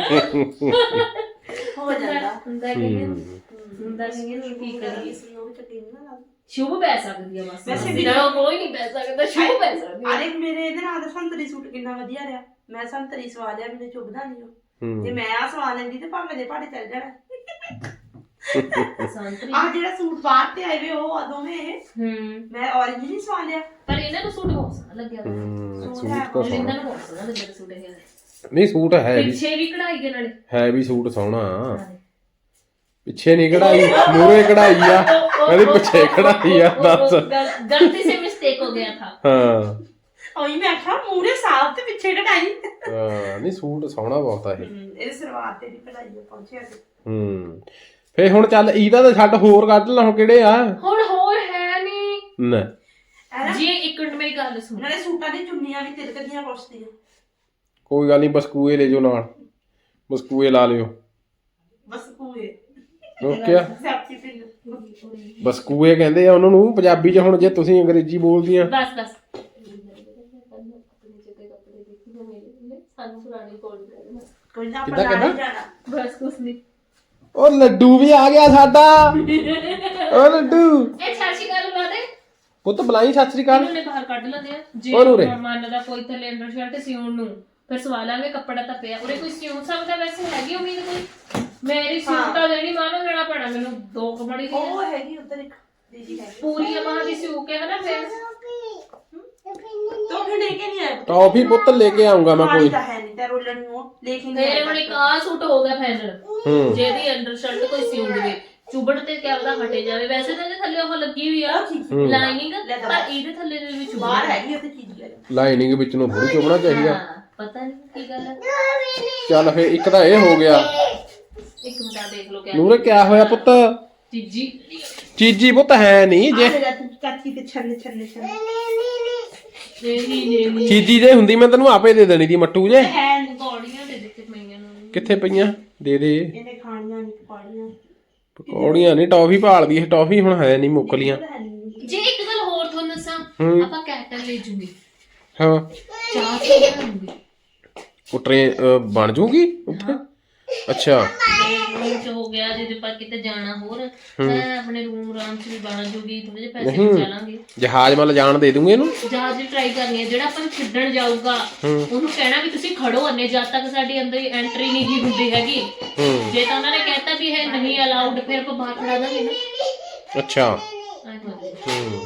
ਹੋ ਜਾਂਦਾ ਹੁੰਦਾ ਕਿ ਹੁੰਦਾ ਕਿ ਹੁਣ ਕੀ ਕਰੀਏ ਇਸ ਨੂੰ ਵੀ ਤਾਂ ਕਿੰਨਾ ਨਾ ਲੱਗਦਾ ਸ਼ੁਭ ਪੈ ਸਕਦੀ ਆ ਮਾਸੀ ਵੈਸੇ ਵੀ ਨਾ ਕੋਈ ਨਹੀਂ ਪੈ ਸਕਦਾ ਸ਼ੁਭ ਪੈ ਸਕਦੀ ਆ ਅਰੇ ਮੇਰੇ ਇਹਦੇ ਨਾਲ ਦਾ ਸੰਤਰੀ ਸੂਟ ਕਿੰਨਾ ਵਧੀਆ ਰਿਹਾ ਮੈਂ ਸੰਤਰੀ ਸਵਾ ਲਿਆ ਮੈਨੂੰ ਚੁੱਭਦਾ ਨਹੀਂ ਉਹ ਜੇ ਮੈਂ ਆ ਸਵਾ ਲੈਂਦੀ ਤੇ ਭਾਵੇਂ ਦੇ ਭਾੜੇ ਚੱਲ ਜਾਣਾ ਸੰਤਰੀ ਆ ਜਿਹੜਾ ਸੂਟ ਬਾਹਰ ਤੇ ਆਏ ਵੇ ਉਹ ਆ ਦੋਵੇਂ ਇਹ ਹੂੰ ਮੈਂ orange ਨਹੀਂ ਸਵਾ ਲਿਆ ਪਰ ਇਹਨਾਂ ਨੂੰ ਸੂਟ ਬਹੁਤ ਸੋਹਣਾ ਲੱਗਿਆ ਵਾ। ਹੂੰ, ਸੂਟ ਸੂਟ ਹੈ ਤਾਂ ਇਹਨਾਂ ਸੋਹਣਾ ਨੂੰ ਬਹੁਤ ਸੋਹਣਾ ਲੱਗਿਆ ਸੂਟ ਇਹ ਨਹੀਂ ਸੂਟ ਹੈ ਵੀ ਪਿੱਛੇ ਵੀ ਕਢਾਈ ਦੇ ਨਾਲੇ ਹੈ ਵੀ ਸੂਟ ਸੋਹਣਾ ਪਿੱਛੇ ਨਹੀਂ ਕਢਾਈ ਮੂਰੇ ਕਢਾਈ ਆ ਕਹਿੰਦੀ ਪਿੱਛੇ ਕਢਾਈ ਆ ਦੱਸ गल- गलती से मिस्टेक हो गया था ਹਾਂ ਉਹੀ ਮੈਂ ਆਖਿਆ ਮੂਰੇ ਸਾਫ ਤੇ ਪਿੱਛੇ ਕਢਾਈ ਹਾਂ ਨਹੀਂ ਸੂਟ ਸੋਹਣਾ ਬਹੁਤ ਆ ਇਹ ਇਹਦੇ ਸਲਵਾਰ ਤੇ ਵੀ ਕਢਾਈ ਆ ਪਹੁੰਚਿਆ ਸੀ ਹੂੰ ਫੇ ਹੁਣ ਚੱਲ ਇਹਦਾ ਤਾਂ ਛੱਡ ਹੋਰ ਕੱਢ ਲਾ ਹੁਣ ਕਿਹੜੇ ਆ ਹੁਣ ਹੋਰ ਹੈ ਨਹੀਂ ਨਾ ਐਨਾ ਜੀ ਇੱਕ ਮਿੰਟ ਮੇਰੀ ਗੱਲ ਸੁਣ ਨਾਲੇ ਸੂਟਾਂ ਦੀ ਚੁੰਨੀਆਂ ਵੀ ਤਿਲਕਦੀਆਂ ਪੁੱਛਦੀਆਂ ਕੋਈ ਗੱਲ ਨਹੀਂ ਬਸਕੂਏ ਲੈ ਜਾਓ ਨਾਲ ਬਸਕੂਏ ਲਾ ਲਿਓ ਬਸ ਕੂਏ ਓਕੇ ਆ ਸੈਪਟੀ ਪਿੰਨ ਬਸਕੂਏ ਕਹਿੰਦੇ ਆ ਉਹਨਾਂ ਨੂੰ ਪੰਜਾਬੀ 'ਚ ਹੁਣ ਜੇ ਤੁਸੀਂ ਅੰਗਰੇਜ਼ੀ ਬੋਲਦੀਆਂ ਬਸ ਬਸ ਸਾਨੂੰ ਪੁਰਾਣੀ ਕੋਲ ਕੋਈ ਨਾ ਕਿੱਦਾਂ ਆਪਾਂ ਨਾਲ ਹੀ ਕਹਿੰਦਾ? ਜਾਣਾ ਬਸ ਕੁਛ ਨਹੀਂ ਉਹ ਲੱਡੂ ਵੀ ਆ ਗਿਆ ਸਾਡਾ ਉਹ ਲੱਡੂ ਇਹ ਛਾਛੀ ਗੱਲ ਬੁਲਾ ਦੇ ਪੁੱਤ ਬੁਲਾਈ ਸਤਿ ਸ੍ਰੀ ਅਕਾਲ ਇਹਨੂੰ ਨੇ ਬਾਹਰ ਕੱਢ ਲੈਂਦੇ ਆ ਜੇ ਹੋਰ ਉਰੇ। ਮੰਨ ਦਾ ਕੋਈ ਥੱਲੇ ਅੰਡਰ ਸ਼ਰਟ ਸਿਉਣ ਨੂੰ ਫਿਰ ਸਵਾ ਲਾਂਗੇ ਕੱਪੜਾ ਤਾਂ ਪਿਆ ਉਰੇ ਕੋਈ ਸਿਉਂ ਸਕਦਾ ਵੈਸੇ ਹੈਗੀ ਉਮੀਦ ਕੋਈ ਮੇਰੀ ਸਿਉਂਤਾ ਦੇਣੀ ਮਾਨੋ ਲੈਣਾ ਪੈਣਾ ਮੈਨੂੰ ਦੋ ਕਪੜੀ ਦੀ ਉਹ ਹੈਗੀ ਉੱਧਰ ਇੱਕ ਦੀਦੀ ਹੈਗੀ ਪੂਰੀ ਬਾਹਾਂ ਦੀ ਸਿਉ ਕੇ ਹਨਾ ਫਿਰ ਤੋ ਫਿਰ ਲੈ ਕੇ ਨਹੀਂ ਆਇਆ ਟੌਫੀ ਪੁੱਤ ਲੈ ਕੇ ਆਉਂਗਾ ਮੈਂ ਪਾਣੀ ਕੋਈ ਤਾਂ ਹੈ ਨਹੀਂ ਤੇ ਰੋਲਣ ਨੂੰ ਉਹ ਲੈ ਕੇ ਨਹੀਂ ਤੇਰੇ ਹੁਣ ਇੱਕ ਆ ਸੂਟ ਹੋ ਗਿਆ ਫਾਈਨਲ ਹੂੰ ਜਿਹਦੀ ਅੰਡਰ ਸ਼ਰਟ ਕੋਈ ਸਿਉਂ ਦੇਵੇ ਚੁਬੜ ਤੇ ਕਿਆ ਉਹਦਾ ਹਟੇ ਜਾਵੇ ਵੈਸੇ ਤਾਂ ਇਹਦੇ ਥੱਲੇ ਉਹ ਲੱਗੀ ਹੋਈ ਆ ਲਾਈਨਿੰਗ ਪਰ ਇਹਦੇ ਥੱਲੇ ਦੇ ਵਿੱਚ ਬਾਹਰ ਹੈਗੀ ਉੱਥੇ ਚੀਜ਼ ਲੈ ਲਾਈਨਿੰਗ ਵਿੱਚ ਨੂੰ ਥੋੜੀ ਚੁਬਣਾ ਚਾਹੀਦਾ ਹਾਂ, ਪਤਾ ਨਹੀਂ ਕੀ ਗੱਲ ਹੈ ਚੱਲ ਫੇ ਇੱਕ ਤਾਂ ਇਹ ਹੋ ਗਿਆ ਇੱਕ ਮਿੰਟ ਆ ਦੇਖ ਲਓ ਕਿਆ ਨੂਰੇ ਕਿਆ ਹੋਇਆ ਪੁੱਤ ਚੀਜੀ ਚੀਜੀ ਪੁੱਤ ਹੈ ਨਹੀਂ ਜੇ ਜੇ ਚਾਚੀ ਤੇ ਛੱਲੇ ਛੱਲੇ ਛੱਲੇ ਨਹੀਂ ਨਹੀਂ ਚੀਜੀ ਜੇ ਹੁੰਦੀ ਮੈਂ ਤੈਨੂੰ ਆਪੇ ਦੇ ਦੇਣੀ ਦੀ ਮੱਟੂ ਜੇ ਹੈ ਪਕੌੜੀਆਂ ਦੇ ਦਿੱਤੇ ਪਈਆਂ ਨੂੰ ਕਿੱਥੇ ਪਈਆਂ ਦੇ ਦੇ ਇਹਨੇ ਖਾਣੀਆਂ ਨਹੀਂ ਪਕੌੜੀਆਂ ਪਕੌੜੀਆਂ ਨਹੀਂ ਟੌਫੀ ਭਾਲਦੀ ਹੈ ਟੌਫੀ ਹੁਣ ਹੈ ਨਹੀਂ ਮੁੱਕ ਲੀਆਂ ਜੇ ਇੱਕ ਗੱਲ ਹੋਰ ਤੁਹਾਨੂੰ ਦੱਸਾਂ ਆਪਾਂ ਕੈਟਲ ਲੈ ਜੂਗੇ ਹਾਂ ਚਾਹ ਚ ਬਣਾਉਂਗੇ ਉਹ ਟ੍ਰੇਨ ਬਣ ਜੂਗੀ ਉੱਥੇ ਅੱਛਾ ਰੂਮ ਚ ਹੋ ਗਿਆ ਜੇ ਆਪਾਂ ਕਿਤੇ ਜਾਣਾ ਹੋਰ ਤਾਂ ਆਪਣੇ ਰੂਮ ਆਰਾਮ ਚ ਵੀ ਬਣ ਜੂਗੀ ਥੋੜੇ ਜਿਹੇ ਪੈਸੇ ਬਚਾ ਲਾਂਗੇ ਜਹਾਜ਼ ਮੱਲ ਜਾਣ ਦੇ ਦੂੰਗੇ ਇਹਨੂੰ ਜਹਾਜ਼ ਟਰਾਈ ਕਰਨੀ ਹੈ ਜਿਹੜਾ ਆਪਾਂ ਨੂੰ ਛੱਡਣ ਜਾਊਗਾ ਉਹਨੂੰ ਕਹਿਣਾ ਵੀ ਤੁਸੀਂ ਖੜੋ ਅੰਨੇ ਜਦ ਤੱਕ ਸਾਡੀ ਅੰਦਰ ਐਂਟਰੀ ਨਹੀਂ ਹੀ ਹੁੰਦੀ ਹੈਗੀ ਜੇ ਤਾਂ ਉਹਨਾਂ ਨੇ ਕਹਿਤਾ ਵੀ ਇਹ ਨਹੀਂ ਅਲਾਉਡ ਫਿਰ ਆਪਾਂ ਬਾਹਰ ਖੜਾ ਦਾਂਗੇ ਨਾ ਅੱਛਾ ਐਂ ਕਰ ਲਓ। ਹੂੰ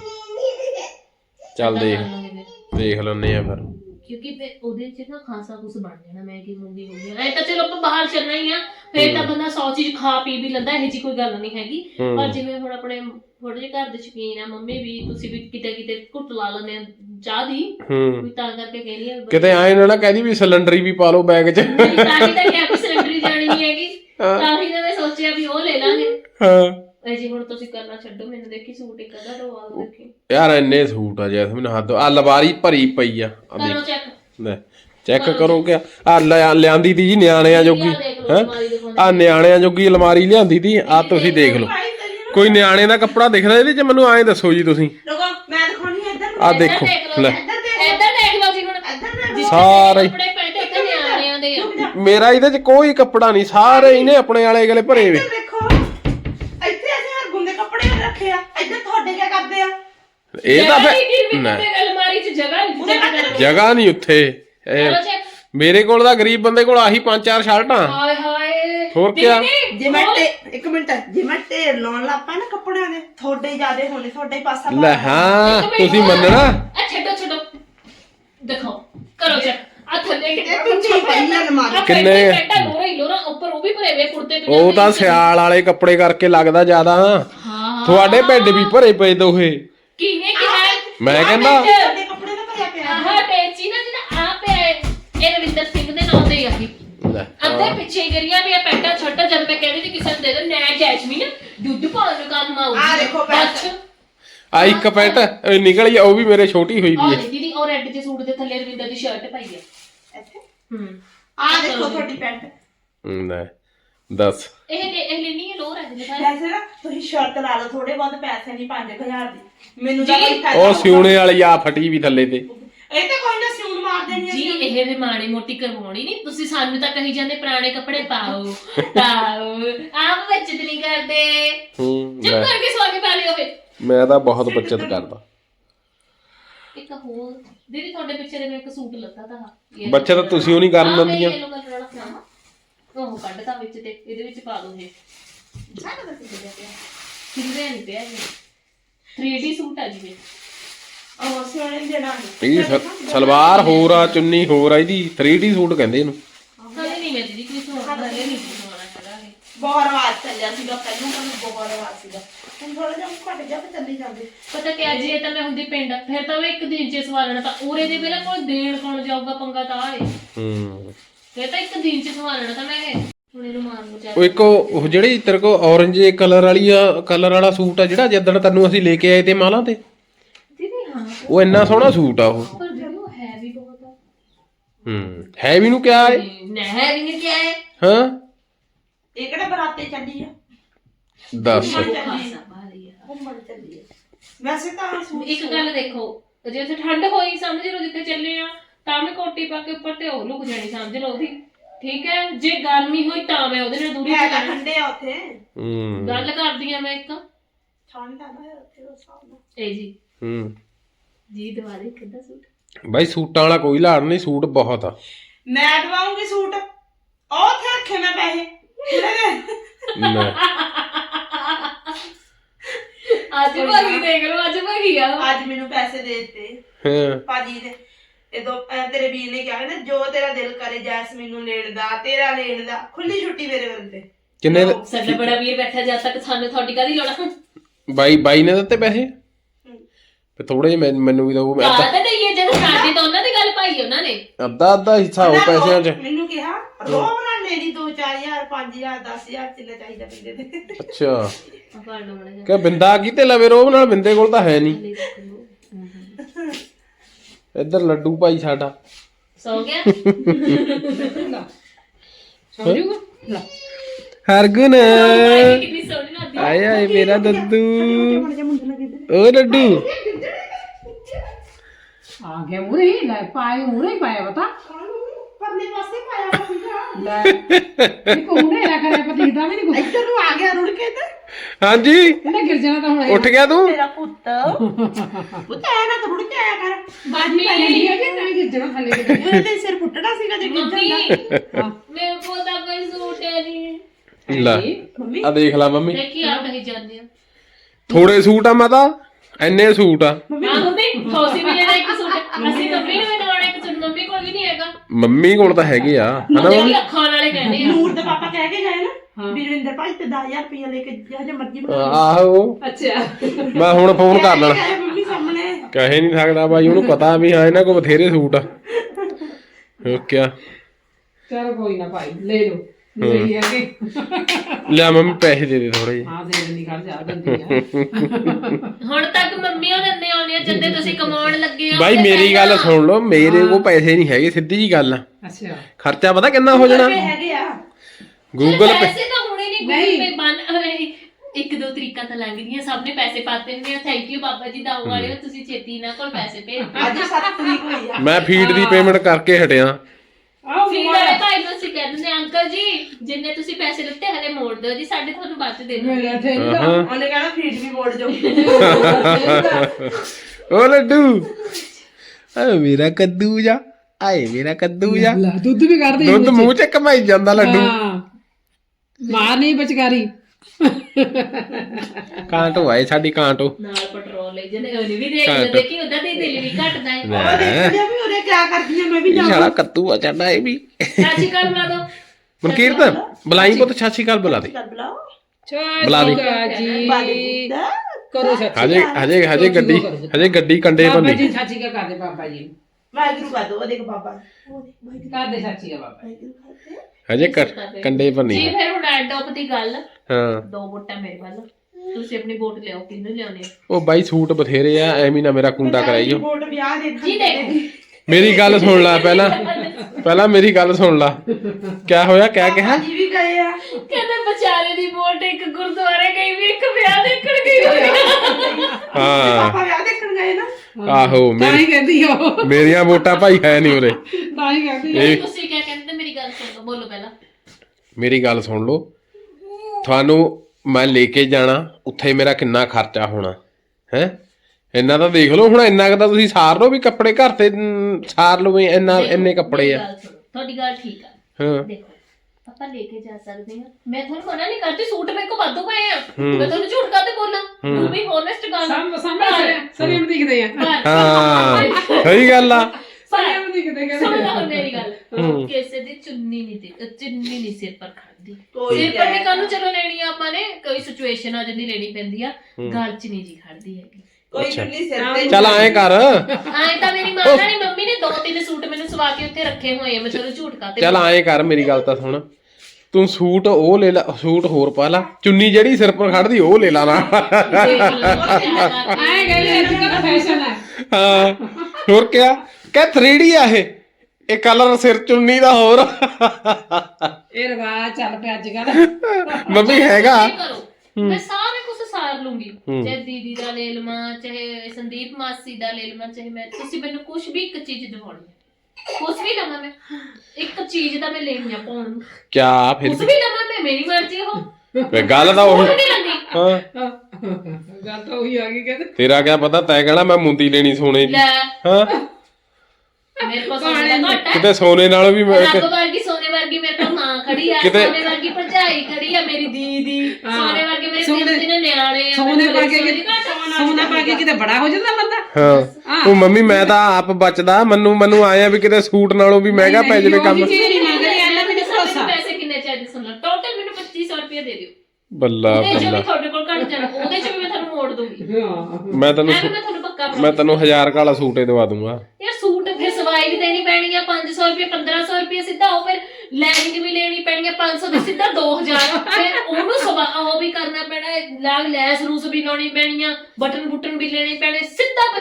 ਚੱਲ ਦੇਖ ਦੇਖ ਲੈਣੇ ਆ ਫਿਰ ਕਿਉਂਕਿ ਫਿਰ ਉਹਦੇ ਚ ਨਾ ਖਾਸਾ ਕੁਝ ਬਣ ਜਾਣਾ ਮੈਗੀ ਮੂਗੀ ਹੋ ਗਿਆ ਐ ਤਾਂ ਚਲੋ ਆਪਾਂ ਬਾਹਰ ਚੱਲਣਾ ਹੀ ਆ ਫਿਰ ਤਾਂ ਬੰਦਾ ਸੌ ਚੀਜ਼ ਖਾ ਪੀ ਵੀ ਲੈਂਦਾ ਇਹ ਜੀ ਕੋਈ ਗੱਲ ਨਹੀਂ ਹੈਗੀ ਪਰ ਜਿਵੇਂ ਹੁਣ ਆਪਣੇ ਥੋੜੇ ਜਿਹੇ ਘਰ ਦੇ ਸ਼ੌਕੀਨ ਆ ਮੰਮੀ ਵੀ ਤੁਸੀਂ ਵੀ ਕਿਤੇ ਕਿਤੇ ਘੁੱਟ ਲਾ ਲੈਂਦੇ ਆ ਚਾਹ ਦੀ ਹੂੰ ਵੀ ਤਾਂ ਕਰਕੇ ਕਹਿ ਰਹੀ ਆ ਕਿਤੇ ਆਏ ਨਾ ਨਾ ਕਹਦੀ ਵੀ ਸਿਲੰਡਰ ਵੀ ਪਾ ਲਓ ਬੈਗ 'ਚ ਨਹੀਂ, ਤਾਂ ਹੀ ਤਾਂ ਕਿਹਾ ਵੀ ਸਿਲੰਡਰ ਜਾਣੀ ਨਹੀਂ ਹੈਗੀ ਤਾਂ ਹੀ ਤਾਂ ਮੈਂ ਸੋਚਿਆ ਵੀ ਉਹ ਲੈ ਲਾਂਗੇ ਹਾਂ ਐ ਜੀ ਹੁਣ ਤੁਸੀਂ ਕਰਨਾ ਛੱਡੋ ਮੈਨੂੰ ਦੇਖੀ ਸੂਟ ਇੱਕ ਅੱਧਾ ਦਵਾ ਦਿਓ ਦੇਖੀ ਯਾਰ ਇੰਨੇ ਸੂਟ ਆ ਜੈਸਮੀਨ ਹੱਦ ਆ ਲਵਾਰੀ ਭਰੀ ਪਈ ਆ ਆ ਕਰੋ ਦੇਖ ਚੈੱਕ ਲੈ ਚੈੱਕ ਕਰੋ ਕਿ ਆ ਲਿਆਂਦੀ ਤੀ ਜੀ ਨਿਆਣਿਆਂ ਜੋਗੀ ਹੈ ਆ ਨਿਆਣਿਆਂ ਜੋਗੀ ਅਲਮਾਰੀ ਲਿਆਂਦੀ ਤੀ ਆ ਤੁਸੀਂ ਦੇਖ ਲਓ ਕੋਈ ਨਿਆਣੇ ਦਾ ਕੱਪੜਾ ਦਿਖਦਾ ਇਹਦੇ 'ਚ ਮੈਨੂੰ ਐਂ ਦੱਸੋ ਜੀ ਤੁਸੀਂ ਰੁਕੋ ਮੈਂ ਦਿਖਾਉਣੀ ਇੱਧਰ ਆ ਦੇਖੋ ਲੈ ਇੱਧਰ ਦੇਖ ਇੱਧਰ ਦੇਖ ਲਓ ਜੀ ਹੁਣ ਇੱਧਰ ਦੇਖ ਸਾਰੇ ਕੱਪੜੇ ਪੈਂਟ ਇੱਥੇ ਨਿਆਣਿਆਂ ਦੇ ਆ ਮੇਰਾ ਇਹਦੇ 'ਚ ਕੋਈ ਕੱਪੜਾ ਨਹੀਂ ਸਾਰੇ ਇਹਨੇ ਆਪਣੇ ਵਾਲੇ ਗਲੇ ਭਰੇ ਵੇ ਦੇਖੋ ਇੱਥੇ ਅਸੀਂ ਹਰਗੁਣ ਦੇ ਕੱਪੜੇ ਰੱਖੇ ਆ ਇੱਧਰ ਤੁਹਾਡੇ ਕੀ ਕਰਦੇ ਆ ਇਹ ਤਾਂ ਫਿਰ ਨਾ ਅਲਮਾਰੀ 'ਚ ਜਗ੍ਹਾ ਨਹੀਂ ਜਗ੍ਹਾ ਨਹੀਂ ਉੱਥੇ ਇਹ ਮੇਰੇ ਕੋਲ ਤਾਂ ਗਰੀਬ ਬੰਦੇ ਕੋਲ ਆਹੀ ਪੰਜ ਚਾਰ ਸ਼ਰਟਾਂ ਹਾਏ ਹਾਏ ਹੋਰ ਕਿਆ ਜੇ ਮੈਂ ਟੇ ਇੱਕ ਮਿੰਟ ਜੇ ਮੈਂ ਢੇਰ ਲਾਉਣ ਲੱਗ ਪਿਆ ਨਾ ਕੱਪੜਿਆਂ ਦੇ ਤੁਹਾਡੇ ਜਿਆਦੇ ਹੋਣੇ ਤੁਹਾਡੇ ਹੀ ਪਾਸਾ ਲੈ ਹਾਂ ਤੁਸੀਂ ਮੰਨਣਾ ਆ ਛੱਡੋ ਛੱਡੋ ਦੇਖੋ ਕਰੋ ਚੈੱਕ ਆ ਥੱਲੇ ਇਹ ਪਿੱਛੇ ਪਈ ਆ ਅਲਮਾਰੀ ਕਿੰਨੇ ਪੈਂਟਾ ਲੋਰਾ ਹੀ ਲੋਰਾ ਉੱਪਰ ਉਹ ਵੀ ਭਰੇ ਵੇ ਕੁੜਤੇ ਉਹ ਤਾਂ ਸਿਆਲ ਵਾਲੇ ਕੱਪੜੇ ਕਰਕੇ ਲੱਗਦਾ ਜ਼ਿਆਦਾ ਹਾਂ ਤੁਹਾਡੇ ਪਿੰਡ ਵੀ ਭਰੇ ਪਏ ਦੋਹੇ ਕਿਹਨੇ ਕਿਹਾ ਮੈਂ ਕਹਿੰਦਾ ਤੁਹਾਡੇ ਕੱਪੜੇ ਤਾਂ ਭਰਿਆ ਪਿਆ ਆਹ ਟੈਚੀ ਨਾ ਜਿਹੜਾ ਆ ਪਿਆ ਹੈ ਇਹ ਰਵਿੰਦਰ ਸਿੰਘ ਦੇ ਨਾਂ ਤੇ ਹੀ ਆਹੀ ਲੈ ਅੱਧੇ ਪਿੱਛੇ ਗਰੀਆਂ ਵੀ ਆ ਪੈਂਟਾ ਛੋਟਾ ਜਦ ਮੈਂ ਕਹਿੰਦੀ ਸੀ ਕਿਸੇ ਨੂੰ ਦੇ ਦੋ ਨੈ ਜੈਸਮੀਨ ਦੁੱਧ ਪਾਉਣ ਨੂੰ ਕੰਮ ਆਊਗੀ ਆ ਦੇਖੋ ਪੈਂਟ ਆ ਇੱਕ ਪੈਂਟ ਇਹ ਨਿਕਲੀ ਆ, ਉਹ ਵੀ ਮੇਰੇ ਛੋਟੀ ਹੋਈ ਵੀ ਔਰ ਹੈ ਦੀਦੀ ਔਰ ਰੈੱਡ ਦੇ ਸੂਟ ਦੇ ਥੱਲੇ ਰਵਿੰਦਰ ਦੀ ਸ਼ਰਟ ਪਾਈ ਹੈ ਇੱਥੇ ਹੂੰ ਆ ਦੇਖੋ ਤੁਹਾਡੀ ਪੈਂਟ ਹਮ, ਲੈ ਦੱਸ ਇਹ ਲੈ- ਇਹ ਲੈਣੀ ਹੈ ਲੋਰ ਹੈ ਜਿਹਨੇ ਵੈਸੇ ਨਾ ਤੁਸੀਂ ਸ਼ਰਟ ਲਾ ਲਓ ਥੋੜੇ ਬਹੁਤ ਪੈਸੇ ਨਹੀਂ ਪੰਜ ਹਜ਼ਾਰ ਦੀ ਮੈਨੂੰ ਤਾਂ ਕੋਈ ਫਾਇਦਾ ਉਹ ਸਿਉਣੇ ਵਾਲੀ ਆ ਫਟੀ ਵੀ ਥੱਲੇ ਤੇ ਇਹ ਤਾਂ ਕੋਈ ਨਾ ਸਿਉਣ ਮਾਰ ਦੇਣੀ ਜੀ ਇਹ ਵੀ ਮਾੜੀ ਮੋਟੀ ਕਰਵਾਉਣੀ ਨਹੀਂ ਤੁਸੀਂ ਸਾਨੂੰ ਤਾਂ ਕਹੀ ਜਾਂਦੇ ਪੁਰਾਣੇ ਕੱਪੜੇ ਪਾਓ ਪਾਓ ਆਪ ਬੱਚਤ ਨਹੀਂ ਕਰਦੇ ਹੂੰ ਚੁੱਪ ਲੈ ਕਰਕੇ ਸਵਾ ਕੇ ਪਾ ਲਿਓ ਫਿਰ ਮੈਂ ਤਾਂ ਬਹੁਤ ਬੱਚਤ ਕਰਦਾ ਇੱਕ ਹੋਰ ਦੀਦੀ ਤੁਹਾਡੇ ਪਿੱਛੇ ਦੇ ਮੈਂ ਇੱਕ ਸੂਟ ਲੱਤਾ ਤਾਂ ਬੱਚਤ ਤਾਂ ਤੁਸੀਂ ਉਹ ਨਹੀਂ ਕਰਨ ਦਿੰਦੀਆਂ ਯੈਲੋ ਕਲਰ ਵਾਲਾ ਪਜਾਮਾ ਉਹ ਕੱਢਤਾ ਵਿੱਚ ਤੇ ਇਹਦੇ ਵਿੱਚ ਪਾ ਦੋ ਇਹ ਕਿੰਨੇ ਨਹੀਂ ਪਿਆ ਜੀ ਥ੍ਰੀ ਡੀ ਸੂਟ ਆ ਜੀ ਉਹ ਸਿਉਣੇ ਦੇਣਾ ਨਹੀਂ ਇਹ ਸ- ਸਲਵਾਰ ਹੋਰ ਆ ਚੁੰਨੀ ਹੋਰ ਆ ਇਹਦੀ ਥ੍ਰੀ ਡੀ ਸੂਟ ਕਹਿੰਦੇ ਇਹਨੂੰ ਹਲੇ ਨਹੀਂ ਮੈਂ ਦੀਦੀ ਕੋਈ ਸੂਟ ਹਲੇ ਨਹੀਂ ਸਵਾਣਾ ਹੈਗਾ ਇਹ ਬਹੁਤ ਰਵਾਜ ਚੱਲਿਆ ਸੀਗਾ ਪਹਿਲਾਂ ਤਾਂ ਬਹੁਤ ਰਵਾਜ ਸੀਗਾ ਹੁਣ ਥੋੜਾ ਜਿਹਾ ਘਟ ਗਿਆ ਤੇ ਚੱਲੀ ਜਾਂਦੇ ਪਤਾ ਕਿ ਅੱਜ ਇਹ ਤਾਂ ਮੈਂ ਹੁੰਦੀ ਪਿੰਡ ਫਿਰ ਤਾਂ ਉਹ ਇੱਕ ਦਿਨ ਚ ਸਵਾਲਣਾ ਤਾਂ ਉਰੇ ਦੇ ਵੇਲੇ ਕੋਲ ਦੇਣ ਕੌਣ ਜਾਊਗਾ ਪੰਗਾ ਤਾਂ ਆਏ ਹੂੰ ਫਿਰ ਤਾਂ ਇੱਕ ਦਿਨ ਚ ਸਵਾਲਣਾ ਤਾਂ ਮੈਂ ਇਹ ਹੁਣ ਇਹਨੂੰ ਮਾਰ ਨੂੰ ਚਾਹ ਉਹ ਇੱਕ ਉਹ ਜਿਹੜੀ ਤੇਰੇ ਕੋ orange ਕਲਰ ਵਾਲੀ ਆ ਕਲਰ ਵਾਲਾ ਸੂਟ ਆ ਜਿਹੜਾ ਜਿੱਦਣ ਤੈਨੂੰ ਅਸੀਂ ਲੈ ਕੇ ਆਏ ਤੇ ਮਾਲਾਂ ਤੇ ਦੀਦੀ ਹਾਂ ਉਹ ਇੰਨਾ ਸੋਹਣਾ ਸੂਟ ਆ ਉਹ ਪਰ ਜਿਹੜੀ ਉਹ ਹੈ ਵੀ ਬਹੁਤ ਆ ਹੂੰ ਹੈਵੀ ਨੂੰ ਕਿਆ ਹੈ ਨਹਿ ਵੀ ਨਹੀਂ ਕਿਹਾ ਹੈ ਹਾਂ ਇਹ ਕਿਹੜਾ ਬਰਾਤੇ ਚੱਲੀ ਆ ਦੱਸ ਖਾਸਾ ਭਾਰੀ ਆ ਘੁੰਮਣ ਚੱਲੀ ਆ ਵੈਸੇ ਤਾਂ ਸੂਟ ਇੱਕ ਗੱਲ ਦੇਖੋ ਜੇ ਉੱਥੇ ਠੰਡ ਹੋਈ ਸਮਝ ਲਓ ਜਿੱਥੇ ਚੱਲੇ ਆ ਤਾਂ ਮੈਂ ਕੋਟੀ ਪਾ ਕੇ ਉੱਪਰ ਤੇ ਉਹ ਲੁਕ ਜਾਣੀ ਸਮਝ ਲਓ ਉਹਦੀ ਠੀਕ ਹੈ ਜੇ ਗਰਮੀ ਹੋਈ ਤਾਂ ਮੈਂ ਉਹਦੇ ਨਾਲ ਦੂਰੀ ਹੈ ਤੇ ਤਾਂ ਰਹਿਣਾ। ਠੰਡੇ ਆ ਉੱਥੇ ਹੂੰ ਗੱਲ ਕਰਦੀ ਆ ਮੈਂ ਇੱਕ ਠੰਡ ਆ ਨਾ ਉੱਥੇ ਉਸ ਹਿਸਾਬ ਨਾਲ ਇਹ ਜੀ ਹੂੰ ਜੀ ਦਵਾ ਦੇ ਕਿੱਦਾਂ ਸੂਟ ਬਾਈ ਸੂਟਾਂ ਵਾਲਾ ਕੋਈ ਲਾੜ ਨਹੀਂ ਸੂਟ ਬਹੁਤ ਆ ਮੈਂ ਦਵਾਉਂਗੀ ਸੂਟ ਉਹ ਉੱਥੇ ਰੱਖੇ ਮੈਂ ਪੈਸੇ ਲੈ, ਅੱਜ ਭਾਗੀ ਦੇਖ ਲਓ ਅੱਜ ਭਾਗੀ ਆ ਅੱਜ ਮੈਨੂੰ ਪੈਸੇ ਦੇ ਦਿੱਤੇ ਹਾਂ ਭਾਜੀ ਨੇ ਇਹ ਦੋ ਅਹ ਤੇਰੇ ਵੀਰ ਨੇ ਕਿਹਾ ਨਾ ਜੋ ਤੇਰਾ ਦਿਲ ਕਰੇ ਜੈਸਮੀਨ ਨੂੰ ਲੈਣ ਦਾ ਤੇਰਾ ਲੈਣ ਦਾ ਖੁੱਲੀ ਛੁੱਟੀ ਮੇਰੇ ਵੱਲ ਕਿੰਨੇ ਦੇ- ਸਾਡਾ ਬੜਾ ਵੀਰ ਬੈਠਾ ਜਦ ਤੱਕ ਸਾਨੂੰ ਤੁਹਾਡੀ ਕਾਹਦੀ ਲੋੜ ਆ ਬਾਈ ਬਾਈ ਨੇ ਦਿੱਤੇ ਪੈਸੇ ਤੇ ਥੋੜੇ ਜਿਹੇ ਮੈਂ- ਮੈਨੂੰ ਵੀ ਦੋ ਕਾਹ ਤੇ ਦਈਏ ਜਦੋਂ ਸਾਡੀ ਤਾਂ ਉਹਨਾਂ ਦੀ ਗੱਲ ਪਾਈ ਉਹਨਾਂ ਨੇ ਅੱਧਾ ਅੱਧਾ ਹਿੱਸਾ ਹੋ ਪੈਸਿਆਂ 'ਚ ਮੈਨੂੰ ਕਿਹਾ ਰੋਬ ਨਾਲ ਲੈਣੀ ਦੋ ਚਾਰ ਹਜ਼ਾਰ ਪੰਜ ਹਜ਼ਾਰ ਦਸ ਹਜ਼ਾਰ ਚਿੱਲਾ ਚਾਹੀਦਾ ਪਿੰਦੇ ਤੇ ਅੱਛਾ ਆ ਪੜ ਲਓ ਮੜਾ ਕਿ ਬਿੰਦਾ ਕੀ ਤੇ ਲਵੇ ਰੋਬ ਨਾਲ ਬਿੰਦੇ ਕੋਲ ਤਾਂ ਹੈ ਨਹੀਂ ਇੱਧਰ ਲੱਡੂ ਭਾਈ ਸਾਡਾ ਸੌ ਗਿਆ ਸੌ ਜੂਗਾ ਲੈ ਹਰਗੁਣ ਕਿੰਨੀ ਸੋਹਣੀ ਲੱਗਦੀ ਆਏ ਆਏ ਮੇਰਾ ਦੱਦੂ ਓ ਲੱਡੂ ਆ ਗਿਆ ਮੂਰੇ ਲੈ ਪਾਏ ਮੂਰੇ ਹੀ ਪਾਇਆ ਪਤਾ ਪਰਲੇ ਪਾਸੇ ਪਾਇਆ ਸੀਗਾ ਲੈ ਇਹ ਕੋਨੇ ਰੱਖ ਰਿਹਾ ਪਤਾ ਦਿਖਦਾ ਵੀ ਨਹੀਂ ਕੁਝ ਇੱਧਰ ਨੂੰ ਆ ਗਿਆ ਰੁੜ ਕੇ ਤੇ ਹਾਂਜੀ ਇਹਨੇ ਗਿਰ ਜਾਣਾ ਤਾਂ ਹੁਣ ਉੱਠ ਗਿਆ ਤੂੰ ਮੇਰਾ ਪੁੱਤ ਪੁੱਤ ਐ ਨਾ ਰੁੜ ਕੇ ਆਇਆ ਕਰ ਮੰਮੀ ਠੀਕ ਹੈ ਕਿ ਨਹੀਂ ਗਿਰ ਜਾਣਾ ਥੱਲੇ ਕਿਤੇ ਉਹਨੇ ਤੇ ਸਿਰ ਫੁੱਟਣਾ ਸੀਗਾ ਜੇ ਗਿਰ ਮੰਮੀ ਜਾਂਦਾ ਮੇਰੇ ਕੋਲ ਤਾਂ ਕੋਈ ਸੂਟ ਹੈ ਨਹੀਂ ਲੈ ਮੰਮੀ ਆ ਦੇਖ ਲੈ ਮੰਮੀ ਦੇਖੀ ਆ ਨਹੀਂ ਜਾਂਦੇ ਆ ਥੋੜੇ ਸੂਟ ਆ ਮਾਤਾ ਇੰਨੇ ਸੂਟ ਆ ਹਾਂ ਮੰਮੀ ਖੋਸੀ ਵੀ ਲੈਣਾ ਇੱਕ ਸੂਟ ਅਸੀਂ ਮੰਮੀ ਨੂੰ ਵੀ ਦਵਾਉਣਾ ਇੱਕ ਸੂਟ ਮੰਮੀ ਕੋਲ ਵੀ ਨਹੀਂ ਹੈਗਾ ਮੰਮੀ ਕੋਲ ਤਾਂ ਹੈਗੇ ਆ ਹਨਾ ਦੇਖੀ ਮੰਮੀ ਅੱਖਾਂ ਵਾਲੇ ਕਹਿੰਦੇ ਆ ਨੂਰ ਦੇ ਪਾਪਾ ਕਹਿ ਕੇ ਗਏ ਨਾ ਵੀਰਵਿੰਦਰ ਭਾਈ ਤੇ ਦਸ ਹਜ਼ਾਰ ਰੁਪਇਆ ਲੈ ਕੇ ਜਿਹੋ ਮਰਜ਼ੀ ਬਣਾ ਆਹੋ ਅੱਛਾ ਮੈਂ ਹੁਣ ਫੋਨ ਕਰ ਲੈਣਾ ਗਏ ਮੰਮੀ ਸਾਹਮਣੇ ਕਹੇ ਨਹੀਂ ਸਕਦਾ ਬਾਈ ਉਹਨੂੰ ਪਤਾ ਵੀ ਹਾਂ ਇਹਨਾਂ ਕੋਲ ਬਥੇਰੇ ਸੂਟ ਆ ਹੋ ਕਿਆ ਚਲ ਕੋਈ ਨਾ ਭਾਈ ਲੈ ਲਓ ਲਈ ਹੈਗੇ ਲੈ ਮੰਮੀ ਪੈਸੇ ਦੇ ਦੇ ਥੋੜੇ ਜਿਹੇ ਹਾਂ ਦੇ ਨਹੀਂ ਕਰ ਜਾ ਦਿੰਦੀ ਆ ਹੁਣ ਤੱਕ ਮੰਮੀ ਉਹ ਦਿੰਦੇ ਆਉਂਦੇ ਆ ਜਦ ਤੁਸੀਂ ਕਮਾਉਣ ਲੱਗੇ ਆ ਬਾਈ ਮੇਰੀ ਗੱਲ ਸੁਣ ਲਓ ਮੇਰੇ ਕੋਲ ਪੈਸੇ ਨਹੀਂ ਹੈਗੇ ਸਿੱਧੀ ਜੀ ਗੱਲ ਆ ਅੱਛਾ ਖਰਚਾ ਪਤਾ ਕਿੰਨਾ ਹੋ ਜਾਣਾ ਹੈਗੇ ਆ ਗੂਗਲ ਪੇ ਪੈਸੇ ਤਾਂ ਹੁਣੇ ਨਹੀਂ ਗੂਗਲ ਪੇ ਬਣ ਇੱਕ ਦੋ ਤਰੀਕਾ ਤਾਂ ਲੰਘ ਗਈਆਂ ਸਭ ਨੇ ਪੈਸੇ ਪਾਤੇ ਨੇ ਥੈਂਕ ਯੂ ਬਾਬਾ ਜੀ ਦਾਉ ਵਾਲਿਓ ਤੁਸੀਂ ਛੇਤੀ ਇਹਨਾਂ ਕੋਲ ਪੈਸੇ ਭੇਜ ਅੱਜ ਸੱਤ ਤਰੀਕ ਹੋਈ ਆ ਮੈਂ ਫੀਡ ਦੀ ਪੇਮੈਂਟ ਕਰਕੇ ਹਟਿਆ ਆਓ ਫਿਰ ਵਾਲੇ ਭਾਈ ਨੂੰ ਅਸੀਂ ਕਹਿ ਦਿੰਦੇ ਹਾਂ, ਅੰਕਲ ਜੀ ਜਿੰਨੇ ਤੁਸੀਂ ਪੈਸੇ ਲਿੱਤੇ ਹਲੇ ਮੋੜ ਦਿਓ ਜੀ ਸਾਡੇ ਤੁਹਾਨੂੰ ਬਾਅਦ ਚ ਦੇ ਦਿੰਦੇ ਮੇਰਾ ਥੈਂਕ ਹਾਂ ਉਹਨੇ ਕਹਿਣਾ ਫੀਡ ਵੀ ਮੋੜ ਜਾਓ ਓ ਲੱਡੂ ਆਏ ਮੇਰਾ ਕੱਦੂ ਜਾ ਆਏ ਮੇਰਾ ਕੱਦੂ ਜਾ ਲੈ ਦੁੱਧ ਵੀ ਕੱਢ ਦੇ ਦੁੱਧ ਮੂੰਹ ਚ ਕਮਾਈ ਜਾਂਦਾ ਲੱਡੂ ਹਾਂ ਮਾਰ ਨਹੀਂ ਬਚਕਾਰੀ ਕਾਂਟੋ ਆਏ ਸਾਡੀ ਕਾਂਟੋ ਨਾਲ ਪੈਟਰੋਲ ਲਈ ਜਨੇ ਉਹਨੇ ਵੀ ਦੇਖ ਲਿਆ ਦੇਖੀ ਉਹਦਾ ਦੇ ਦਿਲ ਵੀ ਘਟਦਾ ਹੈ ਉਹ ਦੇਖਦੇ ਵੀ ਉਹਨੇ ਕਿਆ ਕਰਦੀ ਆ ਮੈਂ ਵੀ ਇਹ ਜਾਵਾਂ ਸਾਲਾ ਕੱਦੂ ਆ ਚੱਡਾ ਇਹ ਵੀ ਚਾਚੀ ਕਰ ਬਣਾ ਦੋ ਮਨਕੀਰਤ ਬੁਲਾਈ ਪੁੱਤ ਛਾਛੀ ਕਾਲ ਬੁਲਾ ਦੇ ਕਰ ਬੁਲਾਓ ਬੁਲਾ ਦੇ। ਜੀ ਬਾਲੀ ਦਾ ਕਰੋ ਸੱਚੀ ਹਜੇ ਹਜੇ ਹਜੇ ਗੱਡੀ ਹਜੇ ਗੱਡੀ ਕੰਡੇ ਬਾਬਾ ਬੰਨੀ ਜੀ ਸੱਚੀ ਕਾ ਕਰਦੇ ਬਾਬਾ ਜੀ ਵਾਹਿਗੁਰੂ ਕਰ ਦੋ ਉਹ ਦੇਖ ਬਾਬਾ ਉਹ ਦੇਖ ਵਾਹਿਗੁਰੂ ਕਰਦੇ ਸੱਚੀ ਕਾ ਬਾਬਾ ਵਾਹਿਗੁਰੂ ਕਰਦੇ ਹਜੇ ਕ- ਕੰਡੇ ਜੀ ਬੰਨੀ ਫਿਰ ਹੁਣ ਐਂਡ ਆਫ ਦੀ ਗੱਲ ਹਾਂ ਦੋ ਵੋਟਾਂ ਮੇਰੇ ਵੱਲ ਤੁਸੀਂ ਆਪਣੀ ਵੋਟ ਲਿਆਓ ਕਿਹਨੂੰ ਲਿਆਉਣੇ ਆ? ਉਹ ਬਾਈ ਸੂਟ ਬਥੇਰੇ ਆ ਐਵੇਂ ਨਾ ਮੇਰਾ ਕੁੰਡਾ ਕਰਾਈਓ ਵੋਟ ਵਿਆਹ ਦੇ ਜੀ ਦੇਖੋ ਮੇਰੀ ਗੱਲ ਸੁਣ ਲੈ ਪਹਿਲਾਂ ਪਹਿਲਾਂ ਮੇਰੀ ਗੱਲ ਸੁਣ ਲੈ ਕਿਆ ਹੋਇਆ ਕਿਆ ਕਿਹਾ ਜੀ ਵੀ ਗਏ ਆ ਕਹਿੰਦੇ ਵਿਚਾਰੇ ਦੀ ਵੋਟ ਇੱਕ ਗੁਰਦੁਆਰੇ ਗਈ ਵੀ ਇੱਕ ਵਿਆਹ ਦੇਖਣ ਗਈ ਹੋਈ ਆ। ਹਾਂ ਪਾਪਾ ਵਿਆਹ ਦੇਖਣ ਗਏ ਨਾ ਆਹੋ ਤਾਂ ਮੇਰੀ ਹੀ ਕਹਿੰਦੀ ਆ ਉਹ ਮੇਰੀਆਂ ਵੋਟਾਂ ਭਾਈ ਹੈ ਨਹੀਂ ਉਰੇ ਤਾਂ ਹੀ ਕਹਿੰਦੀ ਆ। ਇਹ ਤੁਸੀਂ ਕਿਆ ਕਹਿੰਦੇ ਮੇਰੀ ਗੱਲ ਸੁਣ ਲਓ ਬੋਲੋ ਪਹਿਲਾਂ ਮੇਰੀ ਗੱਲ ਸੁਣ ਲਓ ਤੁਹਾਨੂੰ ਮੈਂ ਲੈ ਕੇ ਜਾਣਾ ਉੱਥੇ ਮੇਰਾ ਕਿੰਨਾ ਖਰਚਾ ਹੋਣਾ ਹੈ ਇੰਨਾ ਤਾਂ ਦੇਖ ਲਓ ਹੁਣ ਇੰਨਾ ਕੁ ਤਾਂ ਤੁਸੀਂ ਸਾਰ ਲਓ ਵੀ ਕੱਪੜੇ ਘਰ ਤੇ ਮ, ਸਾਰ ਲਓ ਵੀ ਇੰਨਾ ਇੰਨੇ ਕੱਪੜੇ ਆ ਮੇਰੀ ਗੱਲ ਸੁਣੋ, ਤੁਹਾਡੀ ਗੱਲ ਠੀਕ ਆ ਹਾਂ ਦੇਖੋ ਆਪਾਂ ਲੈ ਕੇ ਜਾ ਸਕਦੇ ਹਾਂ ਮੈਂ ਤੁਹਾਨੂੰ ਮਨਾ ਨਹੀਂ ਕਰਦੀ ਸੂਟ ਮੇਰੇ ਕੋ ਵਾਧੂ ਪਏ ਆ ਮੈਂ ਤੁਹਾਨੂੰ ਝੂਠ ਕਾਹਤੇ ਬੋਲਾਂ ਤੂੰ ਵੀ ਹੋਨੈਸਟ ਗੱਲ ਸਾਹਮ ਸਾਹਮਣੇ ਸਰੀਮ ਦਿਖਦੇ ਆ ਹਾਂ ਸਹੀ ਗੱਲ ਆ ਸਰੀਮ ਦਿਖਦੇ ਸੁਣ ਕਹਿੰਦੇ ਲਓ ਮੇਰੀ ਗੱਲ ਕਿਸੇ ਦੀ ਚੁੰਨੀ ਨਹੀਂ ਤੇ ਚੁੰਨੀ ਨਹੀਂ ਸਿਰ ਪਰ ਖੜਦੀ ਕੋਈ ਸਿਰ ਪਰ ਵੀ ਕਾਹਨੂੰ ਚਲੋ ਲੈਣੀ ਆ ਆਪਾਂ ਨੇ ਕੋਈ ਸਿਚੁਏਸ਼ਨ ਆ ਜਾਂਦੀ ਲੈਣੀ ਪੈਂਦੀ ਆ ਗੱਲ ਚ ਨਹੀਂ ਜੀ ਖੜਦੀ ਹੈਗੀ ਕੋਈ ਚੁੰਨੀ ਸਿਰ ਤੇ ਚੱਲ ਐਂ ਕਰ ਆਏ ਤਾਂ ਮੇਰੀ ਮਾਤਾ ਨੇ ਮੰਮੀ ਨੇ ਦੋ ਤਿੰਨ ਸੂਟ ਮੈਨੂੰ ਸਵਾ ਕੇ ਉੱਥੇ ਰੱਖੇ ਹੋਏ ਆ ਮੈਂ ਚਲੋ ਝੂਠ ਕਾਤੇ ਚੱਲ ਐਂ ਕਰ ਮੇਰੀ ਗੱਲ ਤਾਂ ਸੁਣ ਤੂੰ ਸੂਟ ਉਹ ਲੈ ਲੈ ਸੂਟ ਹੋਰ ਪਾ ਲਾ ਚੁੰਨੀ ਜਿਹੜੀ ਸਿਰ ਪਰ ਖੜਦੀ ਉਹ ਲੈ ਲਾ ਨਾ ਆਏ ਕਹਿੰਦੇ ਅੱਜ ਕੱਲ ਫੈਸ਼ਨ ਹੈ ਹਾਂ ਹੋਰ ਕਿਆ ਕਹ ਥ੍ਰੀ ਡੀ ਆ ਇਹ ਇਹ ਕਲਰ ਸਿਰ ਚੁੰਨੀ ਦਾ ਹੋਰ ਇਹ ਰਿਵਾਜ ਚੱਲ ਪਿਆ ਅੱਜ ਕੱਲ ਮੰਮੀ ਹੈਗਾ ਕਰੋ ਮੈਂ ਸਾਰੇ ਕੁਝ ਸਾਰ ਲੂੰਗੀ ਚਾਹੇ ਦੀਦੀ ਦਾ ਲੈ ਲਵਾਂ ਚਾਹੇ ਸੰਦੀਪ ਮਾਸੀ ਦਾ ਲੈ ਲਵਾਂ ਚਾਹੇ ਮੈਂ ਤੁਸੀਂ ਮੈਨੂੰ ਕੁਝ ਵੀ ਇੱਕ ਚੀਜ਼ ਦਿਵਾਉਣੀ ਕੁਝ ਵੀ ਲਵਾਂ ਮੈਂ ਇੱਕ ਚੀਜ਼ ਤਾਂ ਮੈਂ ਲੈਣੀ ਆ ਪਾਉਣ ਨੂੰ ਕਿਆ ਫਿਰ ਕੁਝ ਵੀ ਲਵਾਂ ਮੈਂ ਮੇਰੀ ਮਰਜ਼ੀ ਉਹ ਵੀ ਗੱਲ ਤਾਂ ਉਹ ਨਹੀਂ ਲੈਂਦੀ ਹਾਂ ਗੱਲ ਤਾਂ ਉਹੀ ਆ ਗਈ ਕਹਿੰਦੇ ਤੇਰਾ ਕਿਆ ਪਤਾ ਤੈਂ ਕਹਿਣਾ ਮੈਂ ਮੁੰਦੀ ਲੈਣੀ ਸੋਨੇ ਦੀ ਲੈ ਹਾਂ ਮੇਰੇ ਕੋਲ ਸੋਨੇ ਦਾ ਘੱਟ ਹੈ ਕਿਤੇ ਸੋਨੇ ਨਾਲ ਵੀ ਮੈਂ ਰੱਬ ਵਰਗੀ ਸੋਨੇ ਵਰਗੀ ਮੇਰੇ ਕੋਲ ਮਾਂ ਖੜੀ ਆ ਕਿਤੇ- ਸੋਨੇ ਵਰਗੀ ਭਰਜਾਈ ਖੜੀ ਆ ਮੇਰੀ ਦੀਦੀ ਸੋਨੇ ਵਰਗੇ ਮੇਰੇ ਸੋਨੇ- ਤਿੰਨ ਤਿੰਨ ਨਿਆਣੇ ਆ ਸੋਨੇ ਮੈਨੂੰ ਪਾ ਕੇ ਸੋਨੇ ਦੀ ਘੱਟ ਆ। ਸੋਨਾ ਪਾ ਕੇ ਕਿਤੇ ਬੜਾ ਹੋ ਜਾਂਦਾ ਬੰਦਾ ਹਾਂ ਉਹ ਮੰਮੀ ਮੈਂ ਤਾਂ ਆਪ ਬਚਦਾ ਮੈਨੂੰ ਮੈਨੂੰ ਆਇਆ ਵੀ ਕਿਤੇ ਸੂਟ ਨਾਲੋਂ ਵੀ ਮਹਿੰਗਾ ਪੈ ਜਾਵੇ ਕੰਮ ਚੀਜ਼ ਨਹੀਂ ਮੰਗਦੀ ਐਨਾ ਮੈਨੂੰ ਮੈਨੂੰ ਭਰੋਸਾ ਪੈਸੇ ਕਿੰਨੇ ਚਾਹੀਦੇ ਸੁਣ ਲਓ ਟੋਟਲ ਮੈਨੂੰ ਪੱਚੀ ਸੌ ਰੁਪਏ ਦੇ ਦਿਓ ਬੱਲਾ ਉਹਦੇ ਚ ਵੀ ਬੱਲਾ ਤੁਹਾਡੇ ਕੋਲ ਘੱਟ ਜਾਣਾ ਉਹਦੇ ਚ ਵੀ ਮੈਂ ਤੁਹਾਨੂੰ ਮੋੜ ਦੂੰਗੀ ਹਾਂ ਮੈਂ ਤੈਨੂੰ ਐਵੇਂ ਮੈਂ ਤੁਹਾਨੂੰ ਪੱਕਾ promise- ਮੈਂ ਤੈਨੂੰ ਹਜ਼ਾਰ ਕਾਲਾ ਸੂਟ ਹੀ ਦਵਾ ਦੂੰਗਾ ਯਾਰ ਸੂਟ ਫਿਰ ਸਵਾਈ ਵੀ ਦੇਣੀ ਪੈਣੀ ਆ ਪੰਜ ਸੌ ਰੁਪਏ ਪੰਦਰਾਂ ਸੌ ਰੁਪਏ ਸਿੱਧਾ ਉਹ ਫਿਰ ਲੈਨਿੰਗ ਵੀ ਲੈਣੀ ਪੈਣੀ ਆ ਪੰਜ ਸੌ ਤੇ ਸਿੱਧਾ ਦੋ ਹਜ਼ਾਰ ਫਿਰ ਉਹਨੂੰ ਸਵਾ ਉਹ ਵੀ ਕਰਨਾ ਪੈਣਾ ਲਾਗ ਲੈਸ ਰੂਸ ਵੀ ਲਾਉਣੀ ਪੈਣੀ ਆ ਬਟਨ ਬੁਟਨ ਵੀ ਲੈਣੇ ਪੈਣੇ ਸਿੱਧਾ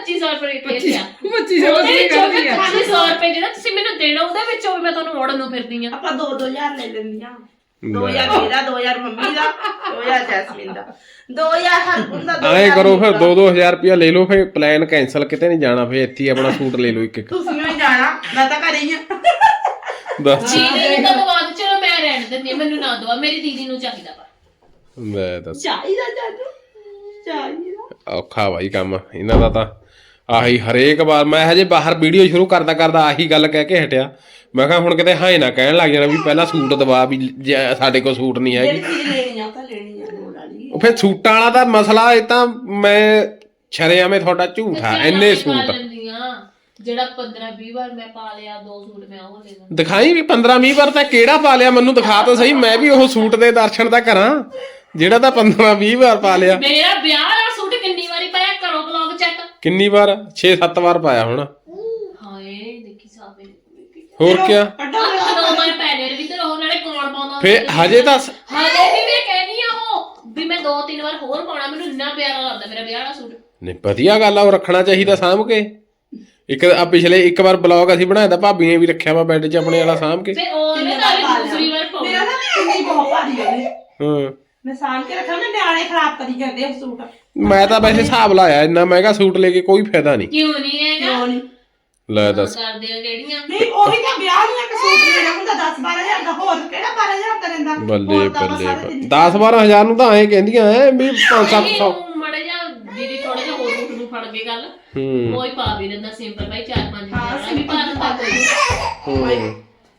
ਪੱਚੀ ਸੌ ਰੁਪਏ ਰੇਟ ਆ ਪੱਚੀ ਸੌ ਉਹਦੇ ਦੀ ਵਿੱਚੋਂ ਵੀ ਕਰਦੀ ਆ ਪੱਚੀ ਸੌ ਰੁਪਏ ਜਿਹੜਾ ਤੁਸੀਂ ਮੈਨੂੰ ਦੇਣਾ ਉਹਦੇ ਵਿੱਚੋਂ ਵੀ ਮੈਂ ਤੁਹਾਨੂੰ ਮੋੜਨ ਨੂੰ ਫਿਰਦੀ ਆ ਆਪਾਂ ਦੋ ਦੋ ਹਜ਼ਾਰ ਲੈ ਲੈਂਦੀਆਂ ਦੋ ਹਜ਼ਾਰ ਮੇਰਾ ਦੋ ਹਜ਼ਾਰ ਮੰਮੀ ਦਾ ਦੋ ਹਜ਼ਾਰ ਜੈਸਮੀਨ ਦਾ ਦੋ ਹਜ਼ਾਰ ਹਰਗੁਣ ਦਾ ਐਂ ਕਰੋ ਫਿਰ ਦੋ ਦੋ ਹਜ਼ਾਰ ਰੁਪਇਆ ਲੈ ਲਓ ਫਿਰ ਪਲਾਨ ਕੈਂਸਲ ਕਿਤੇ ਨਹੀਂ ਜਾਣਾ ਫਿਰ ਇੱਥੇ ਹੀ ਆਪਣਾ ਸੂਟ ਲੈ ਲਓ ਇੱਕ ਇੱਕ ਤੁਸੀਂ ਵੀ ਜਾਣਾ ਮੈਂ ਤਾਂ ਘਰੇ ਹੀ ਆ ਦੱਸ ਜੀ ਨਹੀਂ ਤਾਂ ਦਵਾ ਦੇ ਚਲੋ ਮੈਂ ਰਹਿਣ ਦਿੰਦੀ ਹਾਂ, ਮੈਨੂੰ ਨਾ ਦਵਾ ਮੇਰੀ ਦੀਦੀ ਨੂੰ ਚਾਹੀਦਾ ਵਾ ਲੈ ਦੱਸ ਚਾਹੀਦਾ ਚਾਚੂ ਚਾਹੀਦਾ ਔਖਾ ਭਾਈ ਕੰਮ ਇਹਨਾਂ ਦਾ ਤਾਂ ਆਹੀ ਹਰੇਕ ਵਾਰ ਮੈਂ ਹਜੇ ਬਾਹਰ ਵੀਡੀਓ ਸ਼ੁਰੂ ਕਰਦਾ ਕਰਦਾ ਆਹੀ ਗੱਲ ਕਹਿ ਕੇ ਹਟਿਆ ਮੈਂ ਕਿਹਾ ਹੁਣ ਕਿਤੇ ਹਾਂ ਨਾ ਕਹਿਣ ਲੱਗ ਜਾਣਾ ਵੀ ਪਹਿਲਾਂ ਸੂਟ ਦਵਾ ਵੀ ਜੇ ਸਾਡੇ ਕੋਲ ਸੂਟ ਨਹੀਂ ਹੈਗੀ ਜਿਹੜੀ ਚੀਜ਼ ਲੈਣੀ ਆ ਉਹ ਤਾਂ ਲੈਣੀ ਆ ਲੋੜ ਵਾਲੀ ਉਹ ਫਿਰ ਸੂਟਾਂ ਵਾਲਾ ਤਾਂ ਮਸਲਾ ਇਹ ਤਾਂ ਮੈਂ ਛਰਿਆਵੇਂ ਤੁਹਾਡਾ ਝੂਠ ਆ ਇੰਨੇ ਸੂਟ ਜਿਹੜਾ ਪੰਦਰਾਂ ਵੀਹ ਵਾਰ ਮੈਂ ਪਾ ਲਿਆ ਦੋ ਸੂਟ ਮੈਂ ਉਹ ਲੈ ਲਾਂ ਦਿਖਾਈ ਵੀ ਪੰਦਰਾਂ ਵੀਹ ਵਾਰ ਤਾਂ ਕਿਹੜਾ ਪਾ ਲਿਆ ਮੈਨੂੰ ਦਿਖਾ ਤਾਂ ਸਹੀ ਮੈਂ ਵੀ ਉਹ ਸੂਟ ਦੇ ਦਰਸ਼ਨ ਤਾਂ ਕਰਾਂ ਜਿਹੜਾ ਤਾਂ ਪੰਦਰਾਂ ਵੀਹ ਵਾਰ ਪਾ ਲਿਆ ਮੇਰਾ ਵਿਆਹ ਵਾਲਾ ਸੂਟ ਕਿੰਨੀ ਵਾਰੀ ਪਾਇਆ ਕਰੋ ਵਲੌਗ ਚੈੱਕ ਕਿੰਨੀ ਵਾਰ ਛੇ ਸੱਤ ਵਾਰ ਪਾਇਆ ਹੋਣਾ ਹਾਏ ਦੇਖੀ ਸਾਬੇ ਹੋਰ ਕਿਆ ਕੱਢੋ ਦੋ ਵਾਰ ਪੈਨੇ ਵੀ ਤੇ ਉਹ ਨਾਲੇ ਕੌਣ ਪਾਉਂਦਾ ਫਿਰ ਹਜੇ ਤਾਂ ਹਜੇ ਵੀ ਮੈਂ ਕਹਿਨੀ ਆ ਉਹ ਵੀ ਮੈਂ ਦੋ ਤਿੰਨ ਵਾਰ ਹੋਰ ਪਾਉਣਾ ਮੈਨੂੰ ਇੰਨਾ ਪਿਆਰਾ ਲੱਗਦਾ ਮੇਰਾ ਵਿਆਹ ਵਾਲਾ ਸੂਟ ਨਹੀਂ ਵਧੀਆ ਗੱਲ ਆ ਉਹ ਰੱਖਣਾ ਚਾਹੀਦਾ ਸਾਂਭ ਕੇ ਇੱਕ ਆ ਪਿਛਲੇ ਇੱਕ ਵਾਰ ਬਲੌਗ ਅਸੀਂ ਬਣਾਇਆ ਤਾਂ ਭਾਬੀ ਨੇ ਵੀ ਰੱਖਿਆ ਵਾ ਬੈੱਡ 'ਚ ਆਪਣੇ ਵਾਲਾ ਸਾਂਭ ਕੇ ਤੇ ਉਹਨੇ ਤਾਂ ਵੀ ਦੂਸਰੀ ਵਾਰ ਮੇਰਾ ਪਾਉਣਾ ਨਾ ਕਿੰਨੀ ਬਹੁਤ ਭਾਰੀ ਹੋਈ ਹਾਂ ਮੈਂ ਸਾਂਭ ਕੇ ਰੱਖਾਂ ਮੈਂ ਨਿਆਣੇ ਖਰਾਬ ਕਰੀ ਜਾਂਦੇ ਆ ਸੂਟ ਮੈਂ ਤਾਂ ਵੈਸੇ ਹਿਸਾਬ ਲਾਇਆ ਇੰਨਾ ਮਹਿੰਗਾ ਸੂਟ ਲੈ ਕੇ ਕੋਈ ਫਾਇਦਾ ਨਹੀਂ ਕਿਉਂ ਨਹੀਂ ਹੈਗਾ ਕਿਉਂ ਨਹੀਂ ਲੈ ਦੱਸ ਕਰਦੇ ਆ ਕਿਹੜੀਆਂ ਨਹੀਂ ਉਹੀ ਤਾਂ ਵਿਆਹ ਨੂੰ ਇੱਕ ਸੂਟ ਲੈਣਾ ਹੁੰਦਾ ਦਸ ਬਾਰਾਂ ਹਜ਼ਾਰ ਦਾ ਹੋਰ ਕਿਹੜਾ ਬਾਰਾਂ ਹਜ਼ਾਰ ਦਾ ਲੈਂਦਾ ਬੱਲੇ ਹੋਰ ਤਾਂ ਆਪਾਂ ਬੱਲੇ ਸਾਰੇ ਦਿਨ- ਦਸ ਬਾਰਾਂ ਹਜ਼ਾਰ ਨੂੰ ਤਾਂ ਐਂ ਕਹਿੰਦੀਆਂ ਐ ਵੀ ਪੰਜ ਸੱਤ ਸੌ ਮੜਾ ਜਾ ਦੀਦੀ ਥੋੜਾ ਜਿਹਾ ਹੋਰ ਰੂਟ ਨੂੰ ਫੜ ਕੇ ਗੱਲ ਹੂੰ ਕੋਈ ਪਾ ਵੀ ਲੈਂਦਾ ਸਿੰਪਲ ਭਾਈ ਚਾਰ ਪੰਜ ਹਾਂ, ਹਜ਼ਾਰ ਵੀ ਪਾ ਲੈਂਦਾ ਕੋਈ ਹੂੰ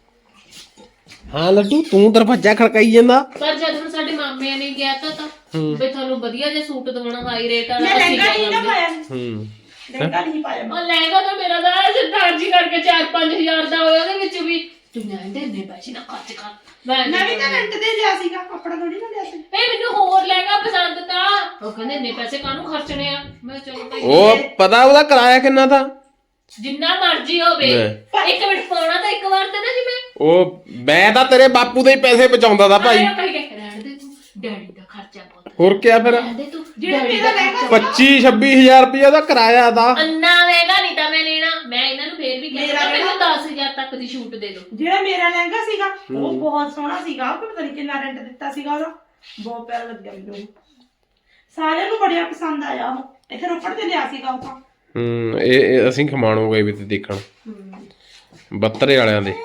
ਹਾਂ ਲੱਡੂ ਤੂੰ ਦਰਵਾਜ਼ਾ ਖੜਕਾਈ ਜਾਂਦਾ ਪਰ ਜਦ ਹੁਣ ਸਾਡੇ ਮਾਮਿਆਂ ਨੇ ਗਿਆ ਤਾਂ ਤਾਂ ਵੀ ਤੁਹਾਨੂੰ ਵਧੀਆ ਜਿਹਾ ਸੂਟ ਦਵਾਉਣਾ ਹਾਈ ਰੇਟ ਵਾਲਾ ਮੈਂ ਅਸੀਂ ਲਹਿੰਗਾ ਨਹੀਂ ਨਾ ਕਰਾਂਗੇ। ਪਾਇਆ ਹੂੰ ਲਹਿੰਗਾ ਨਹੀਂ ਪਾਇਆ ਮੈਂ। ਉਹ ਲਹਿੰਗਾ ਤਾਂ ਮੇਰਾ ਦਾ ਸਰਦਾਰਜੀ ਕਰਕੇ ਚਾਰ ਪੰਜ ਹਜ਼ਾਰ ਦਾ ਹੋਇਆ ਉਹਦੇ ਵਿੱਚ ਵੀ ਤੂੰ ਨਾ ਇੰਨੇ ਪੈਸੇ ਨਾ ਖਰਚ ਕਰ ਮੈਂ ਮੈਂ ਵੀ ਤਾਂ ਰੈਂਟ ਤੇ ਲਿਆ ਸੀਗਾ ਕੱਪੜਾ ਥੋੜੀ ਨਾ ਲਿਆ ਸੀ ਇਹ ਮੈਨੂੰ ਹੋਰ ਲਹਿੰਗਾ ਪਸੰਦ ਤਾਂ ਉਹ ਕਹਿੰਦੇ ਇੰਨੇ ਪੈਸੇ ਕਾਹਨੂੰ ਖਰਚਣੇ ਆ ਮੈਂ ਕਿਹਾ ਚਲੋ ਭਾਈ ਉਹ ਪਤਾ ਉਹਦਾ ਕਿਰਾਇਆ ਕਿੰਨਾ ਤਾਂ ਜਿੰਨਾ ਮਰਜ਼ੀ ਹੋਵੇ ਇੱਕ ਮਿੰਟ ਪਾਉਣਾ ਤਾਂ ਇੱਕ ਵਾਰ ਤੇ ਨਾ ਜਿਵੇਂ ਉਹ ਮੈਂ ਤਾਂ ਤੇਰੇ ਬਾਪੂ ਦੇ ਹੀ ਪੈਸੇ ਬਚਾਉਂਦਾ ਦਾ ਭਾਈ ਆਇਆ ਕਹੀ ਕੇ ਰਹਿਣ ਦੇ ਤੂੰ ਡੈਡੀ ਦਾ ਖਰਚਾ ਬਹੁਤ ਹੋਰ ਕਿਆ ਫਿਰ ਰਹਿਣ ਦੇ ਤੂੰ ਜਿਹੜਾ ਡੈਡੀ ਮੇਰਾ ਦਾ ਲਹਿੰਗਾ ਪੱਚੀ ਛੱਬੀ ਹਜ਼ਾਰ ਰੁਪਇਆ ਦਾ ਕਿਰਾਇਆ ਦਾ ਅੰਨਾ ਮਹਿੰਗਾ ਨਹੀਂ ਤਾਂ ਮੈਂ ਲੈਣਾ ਮੈਂ ਇਹਨਾਂ ਨੂੰ ਫੇਰ ਵੀ ਮੇਰਾ ਕਹਿੰਦਾ ਮੈਨੂੰ ਲਹਿੰਗਾ- ਦਸ ਹਜ਼ਾਰ ਤੱਕ ਦੀ ਛੂਟ ਦੇ ਦਿਓ ਜਿਹੜਾ ਮੇਰਾ ਲਹਿੰਗਾ ਸੀਗਾ ਉਹ ਬਹੁਤ ਸੋਹਣਾ ਸੀਗਾ ਉਹ ਪਤਾ ਨਹੀਂ ਕਿੰਨਾ ਰੈਂਟ ਦਿੱਤਾ ਸੀਗਾ ਉਹਦਾ ਬਹੁਤ ਪਿਆਰਾ ਲੱਗਿਆ ਮੈਨੂੰ ਉਹ। ਸਾਰਿਆਂ ਨੂੰ ਬੜਿਆ ਪਸੰਦ ਆਇਆ ਉਹ ਇੱਥੇ ਰੋਪੜ ਤੇ ਲਿਆ ਸੀਗਾ ਉਹ ਤਾਂ ਹੂੰ ਇਹ ਇਹ ਅਸੀਂ ਖਮਾਣੋ ਗਏ ਵੀ ਤੇ ਦੇਖਣ ਬੱਤਰੇ ਵਾਲਿਆਂ ਦੇ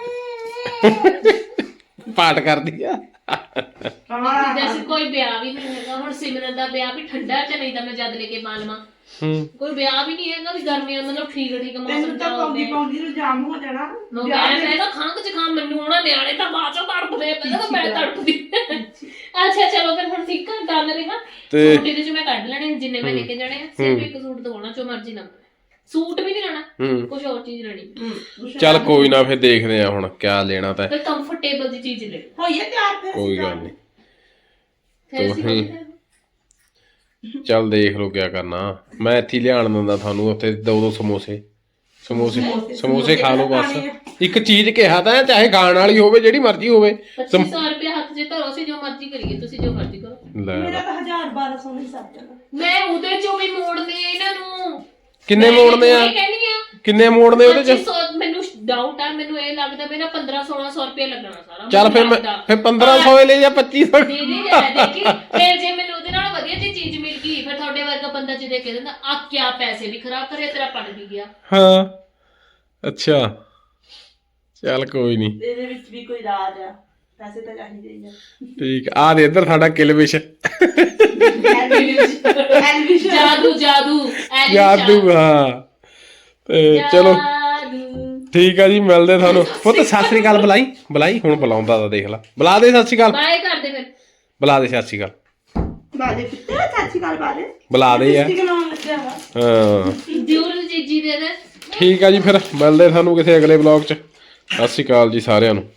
ਪਾਠ ਕਰਦੀ ਆ ਹਾਂ ਜੈਸੇ ਕੋਈ ਵਿਆਹ ਵੀ ਨਹੀਂ ਹੈਗਾ ਹੁਣ ਸਿਮਰਨ ਦਾ ਵਿਆਹ ਵੀ ਠੰਡਾ ਚ ਨਹੀਂ ਤਾਂ ਮੈਂ ਜਦ ਲੈ ਕੇ ਪਾ ਲਵਾਂ ਹੂੰ ਕੋਈ ਵਿਆਹ ਵੀ ਨਹੀਂ ਹੈਗਾ ਵੀ ਗਰਮੀਆਂ ਮਤਲਬ ਠੀਕ ਠੀਕ ਮੌਸਮ ਤੈਨੂੰ ਤਾਂ ਪਾਉਂਦੀ ਪਾਉਂਦੀ ਨੂੰ ਜਾਮ ਹੋ ਜਾਣਾ ਮੈਂ ਕਹਿੰਦਾ ਹੈਗਾ ਖੰਘ ਚ ਖਾਂ ਮੈਨੂੰ ਉਹਨਾਂ ਨਿਆਣੇ ਤਾਂ ਬਾਅਦ ਚੋਂ ਤੜਪਦੇ ਪਹਿਲਾਂ ਤਾਂ ਮੈਂ ਤੜਪਦੀ ਅੱਛਾ ਚਲੋ ਫਿਰ ਹੁਣ ਠੀਕ ਕਰ ਗੱਲ ਰਿਹਾ ਤੇ- ਸੂਟ ਇਹਦੇ ਚ ਮੈਂ ਕੱਢ ਲੈਣੇ ਜਿੰਨੇ ਮੈਂ ਲੈ ਕੇ ਜਾਣੇ ਆ ਸਿਰਫ ਇੱਕ ਸੂਟ ਦਵਾਉਣਾ ਜੋ ਮਰਜ਼ੀ ਨਾ ਸੂਟ ਵੀ ਨਹੀਂ ਲੈਣਾ ਹੂੰ ਕੁਝ ਹੋਰ ਚੀਜ਼ ਲੈਣੀ ਚੱਲ ਕੋਈ ਨਾ ਫਿਰ ਦੇਖਦੇ ਆ ਹੁਣ ਕਿਆ ਲੈਣਾ ਤਾਂ ਕੋਈ ਕੰਫਰਟੇਬਲ ਦੀ ਚੀਜ਼ ਲੈ ਹੋਈਏ ਤਿਆਰ ਫਿਰ ਕੋਈ ਗੱਲ ਨਹੀਂ ਫਿਰ ਅਸੀਂ ਤੁਸੀਂ- ਚੱਲ ਦੇਖ ਲਓ ਕਿਆ ਕਰਨਾ ਮੈਂ ਇੱਥੇ ਹੀ ਲਿਆਣ ਦਿੰਦਾ ਤੁਹਾਨੂੰ ਉੱਥੇ ਦੋ ਦੋ ਸਮੋਸੇ ਸਮੋਸੇ ਸਮੋਸੇ ਖਾ ਲਓ ਬਸ ਇੱਕ ਚੀਜ਼ ਕਿਹਾ ਤਾਂ ਚਾਹੇ ਖਾਣ ਵਾਲੀ ਹੋਵੇ ਜਿਹੜੀ ਮਰਜ਼ੀ ਹੋਵੇ ਪੱਚੀ ਸੌ ਰੁਪਏ ਹੱਥ 'ਚ ਧਰੋ ਸੀ ਜੋ ਮਰਜ਼ੀ ਕਰੀਏ ਤੁਸੀਂ ਜੋ ਮਰਜ਼ੀ ਕਰੋ ਲੈ ਮੇਰਾ ਤਾਂ ਹਜ਼ਾਰ ਬਾਰਾਂ ਸੌ ਨਹੀਂ ਸਰ ਜਾਣਾ ਮੈਂ ਉਹਦੇ ਚੋਂ ਵੀ ਮੋੜਨੇ ਆ ਇਹਨਾਂ ਨੂੰ ਕਿੰਨੇ ਮੈਂ ਮੋੜਨੇ ਆ ਇਹ ਕਹਿੰਦੀ ਆ ਕਿੰਨੇ ਮੋੜਨੇ ਉਹਦੇ ਚ ਪੱਚੀ ਸੌ ਮੈਨੂੰ ਡਾਊਟ ਆ ਮੈਨੂੰ ਇਹ ਲੱਗਦਾ ਮੇਰਾ ਪੰਦਰਾਂ ਸੋਲਾਂ ਸੌ ਰੁਪਏ ਲੱਗਣਾ ਸਾਰਾ ਚੱਲ ਫਿਰ ਮੈਂ ਲੱਗਦਾ। ਫਿਰ ਪੰਦਰਾਂ ਸੌ ਲੈ ਜਾਂ ਪੱਚੀ ਸੌ ਦੇ ਦੇ ਜਰਾ ਦੇਖੀ ਫਿਰ ਜੇ ਮੈਨੂੰ ਉਹਦੇ ਨਾਲ ਵਧੀਆ ਜਿਹੀ ਚੀਜ਼ ਮਿਲ ਗਈ ਫਿਰ ਤੁਹਾਡੇ ਵਰਗਾ ਬੰਦਾ ਜੇ ਦੇ ਕੇ ਦਿੰਦਾ ਆ ਕਿਆ ਪੈਸੇ ਵੀ ਖਰਾਬ ਕਰਿਆ ਤੇਰਾ ਪੜ ਵੀ ਗਿਆ ਹਾਂ ਅੱਛਾ ਚੱਲ ਕੋਈ ਨਹੀਂ ਇਹਦੇ ਵਿੱਚ ਵੀ ਕੋਈ ਰਾਜ ਆ ਪੈਸੇ ਤਾਂ ਚਾਹੀਦੇ ਹੀ ਆ ਠੀਕ ਆ ਦੇ ਇੱਧਰ ਸਾਡਾ ਕਿਲਵਿਸ਼ ਐਲਵਿਸ਼ਨ ਜਾਦੂ ਜਾਦੂ ਐਲੀ ਜਾਦੂ ਹਾਂ ਤੇ ਚਲੋ ਜਾਦੂ। ਠੀਕ ਆ ਜੀ ਮਿਲਦੇ ਤੁਹਾਨੂੰ ਪੁੱਤ ਸਤਿ ਸ੍ਰੀ ਅਕਾਲ ਬੁਲਾਈ ਬੁਲਾਈ ਹੁਣ ਬੁਲਾਉਂਦਾ ਤਾਂ ਦੇਖ ਲੈ ਬੁਲਾ ਦੇ ਸਤਿ ਸ੍ਰੀ ਅਕਾਲ ਬਾਏ ਕਰਦੇ ਫਿਰ ਬੁਲਾ ਦੇ ਸਤਿ ਸ੍ਰੀ ਅਕਾਲ ਬਾਦੇ ਕਿੱਥੇ ਚਾਚੀ ਕਾਲ ਬਾਦੇ ਬੁਲਾ ਦੇ ਯਾਰ ਠੀਕ ਨਾਮ ਲੱਗਿਆ ਵਾ ਹਾਂ ਜੂਰ ਜੀਜੀ ਦੇ ਦੇ ਠੀਕ ਆ ਜੀ ਫਿਰ ਮਿਲਦੇ ਤੁਹਾਨੂੰ ਕਿਸੇ ਅਗਲੇ ਵਲੌਗ 'ਚ ਸਤਿ ਸ੍ਰੀ ਅਕਾਲ ਜੀ ਸਾਰਿਆਂ ਨੂੰ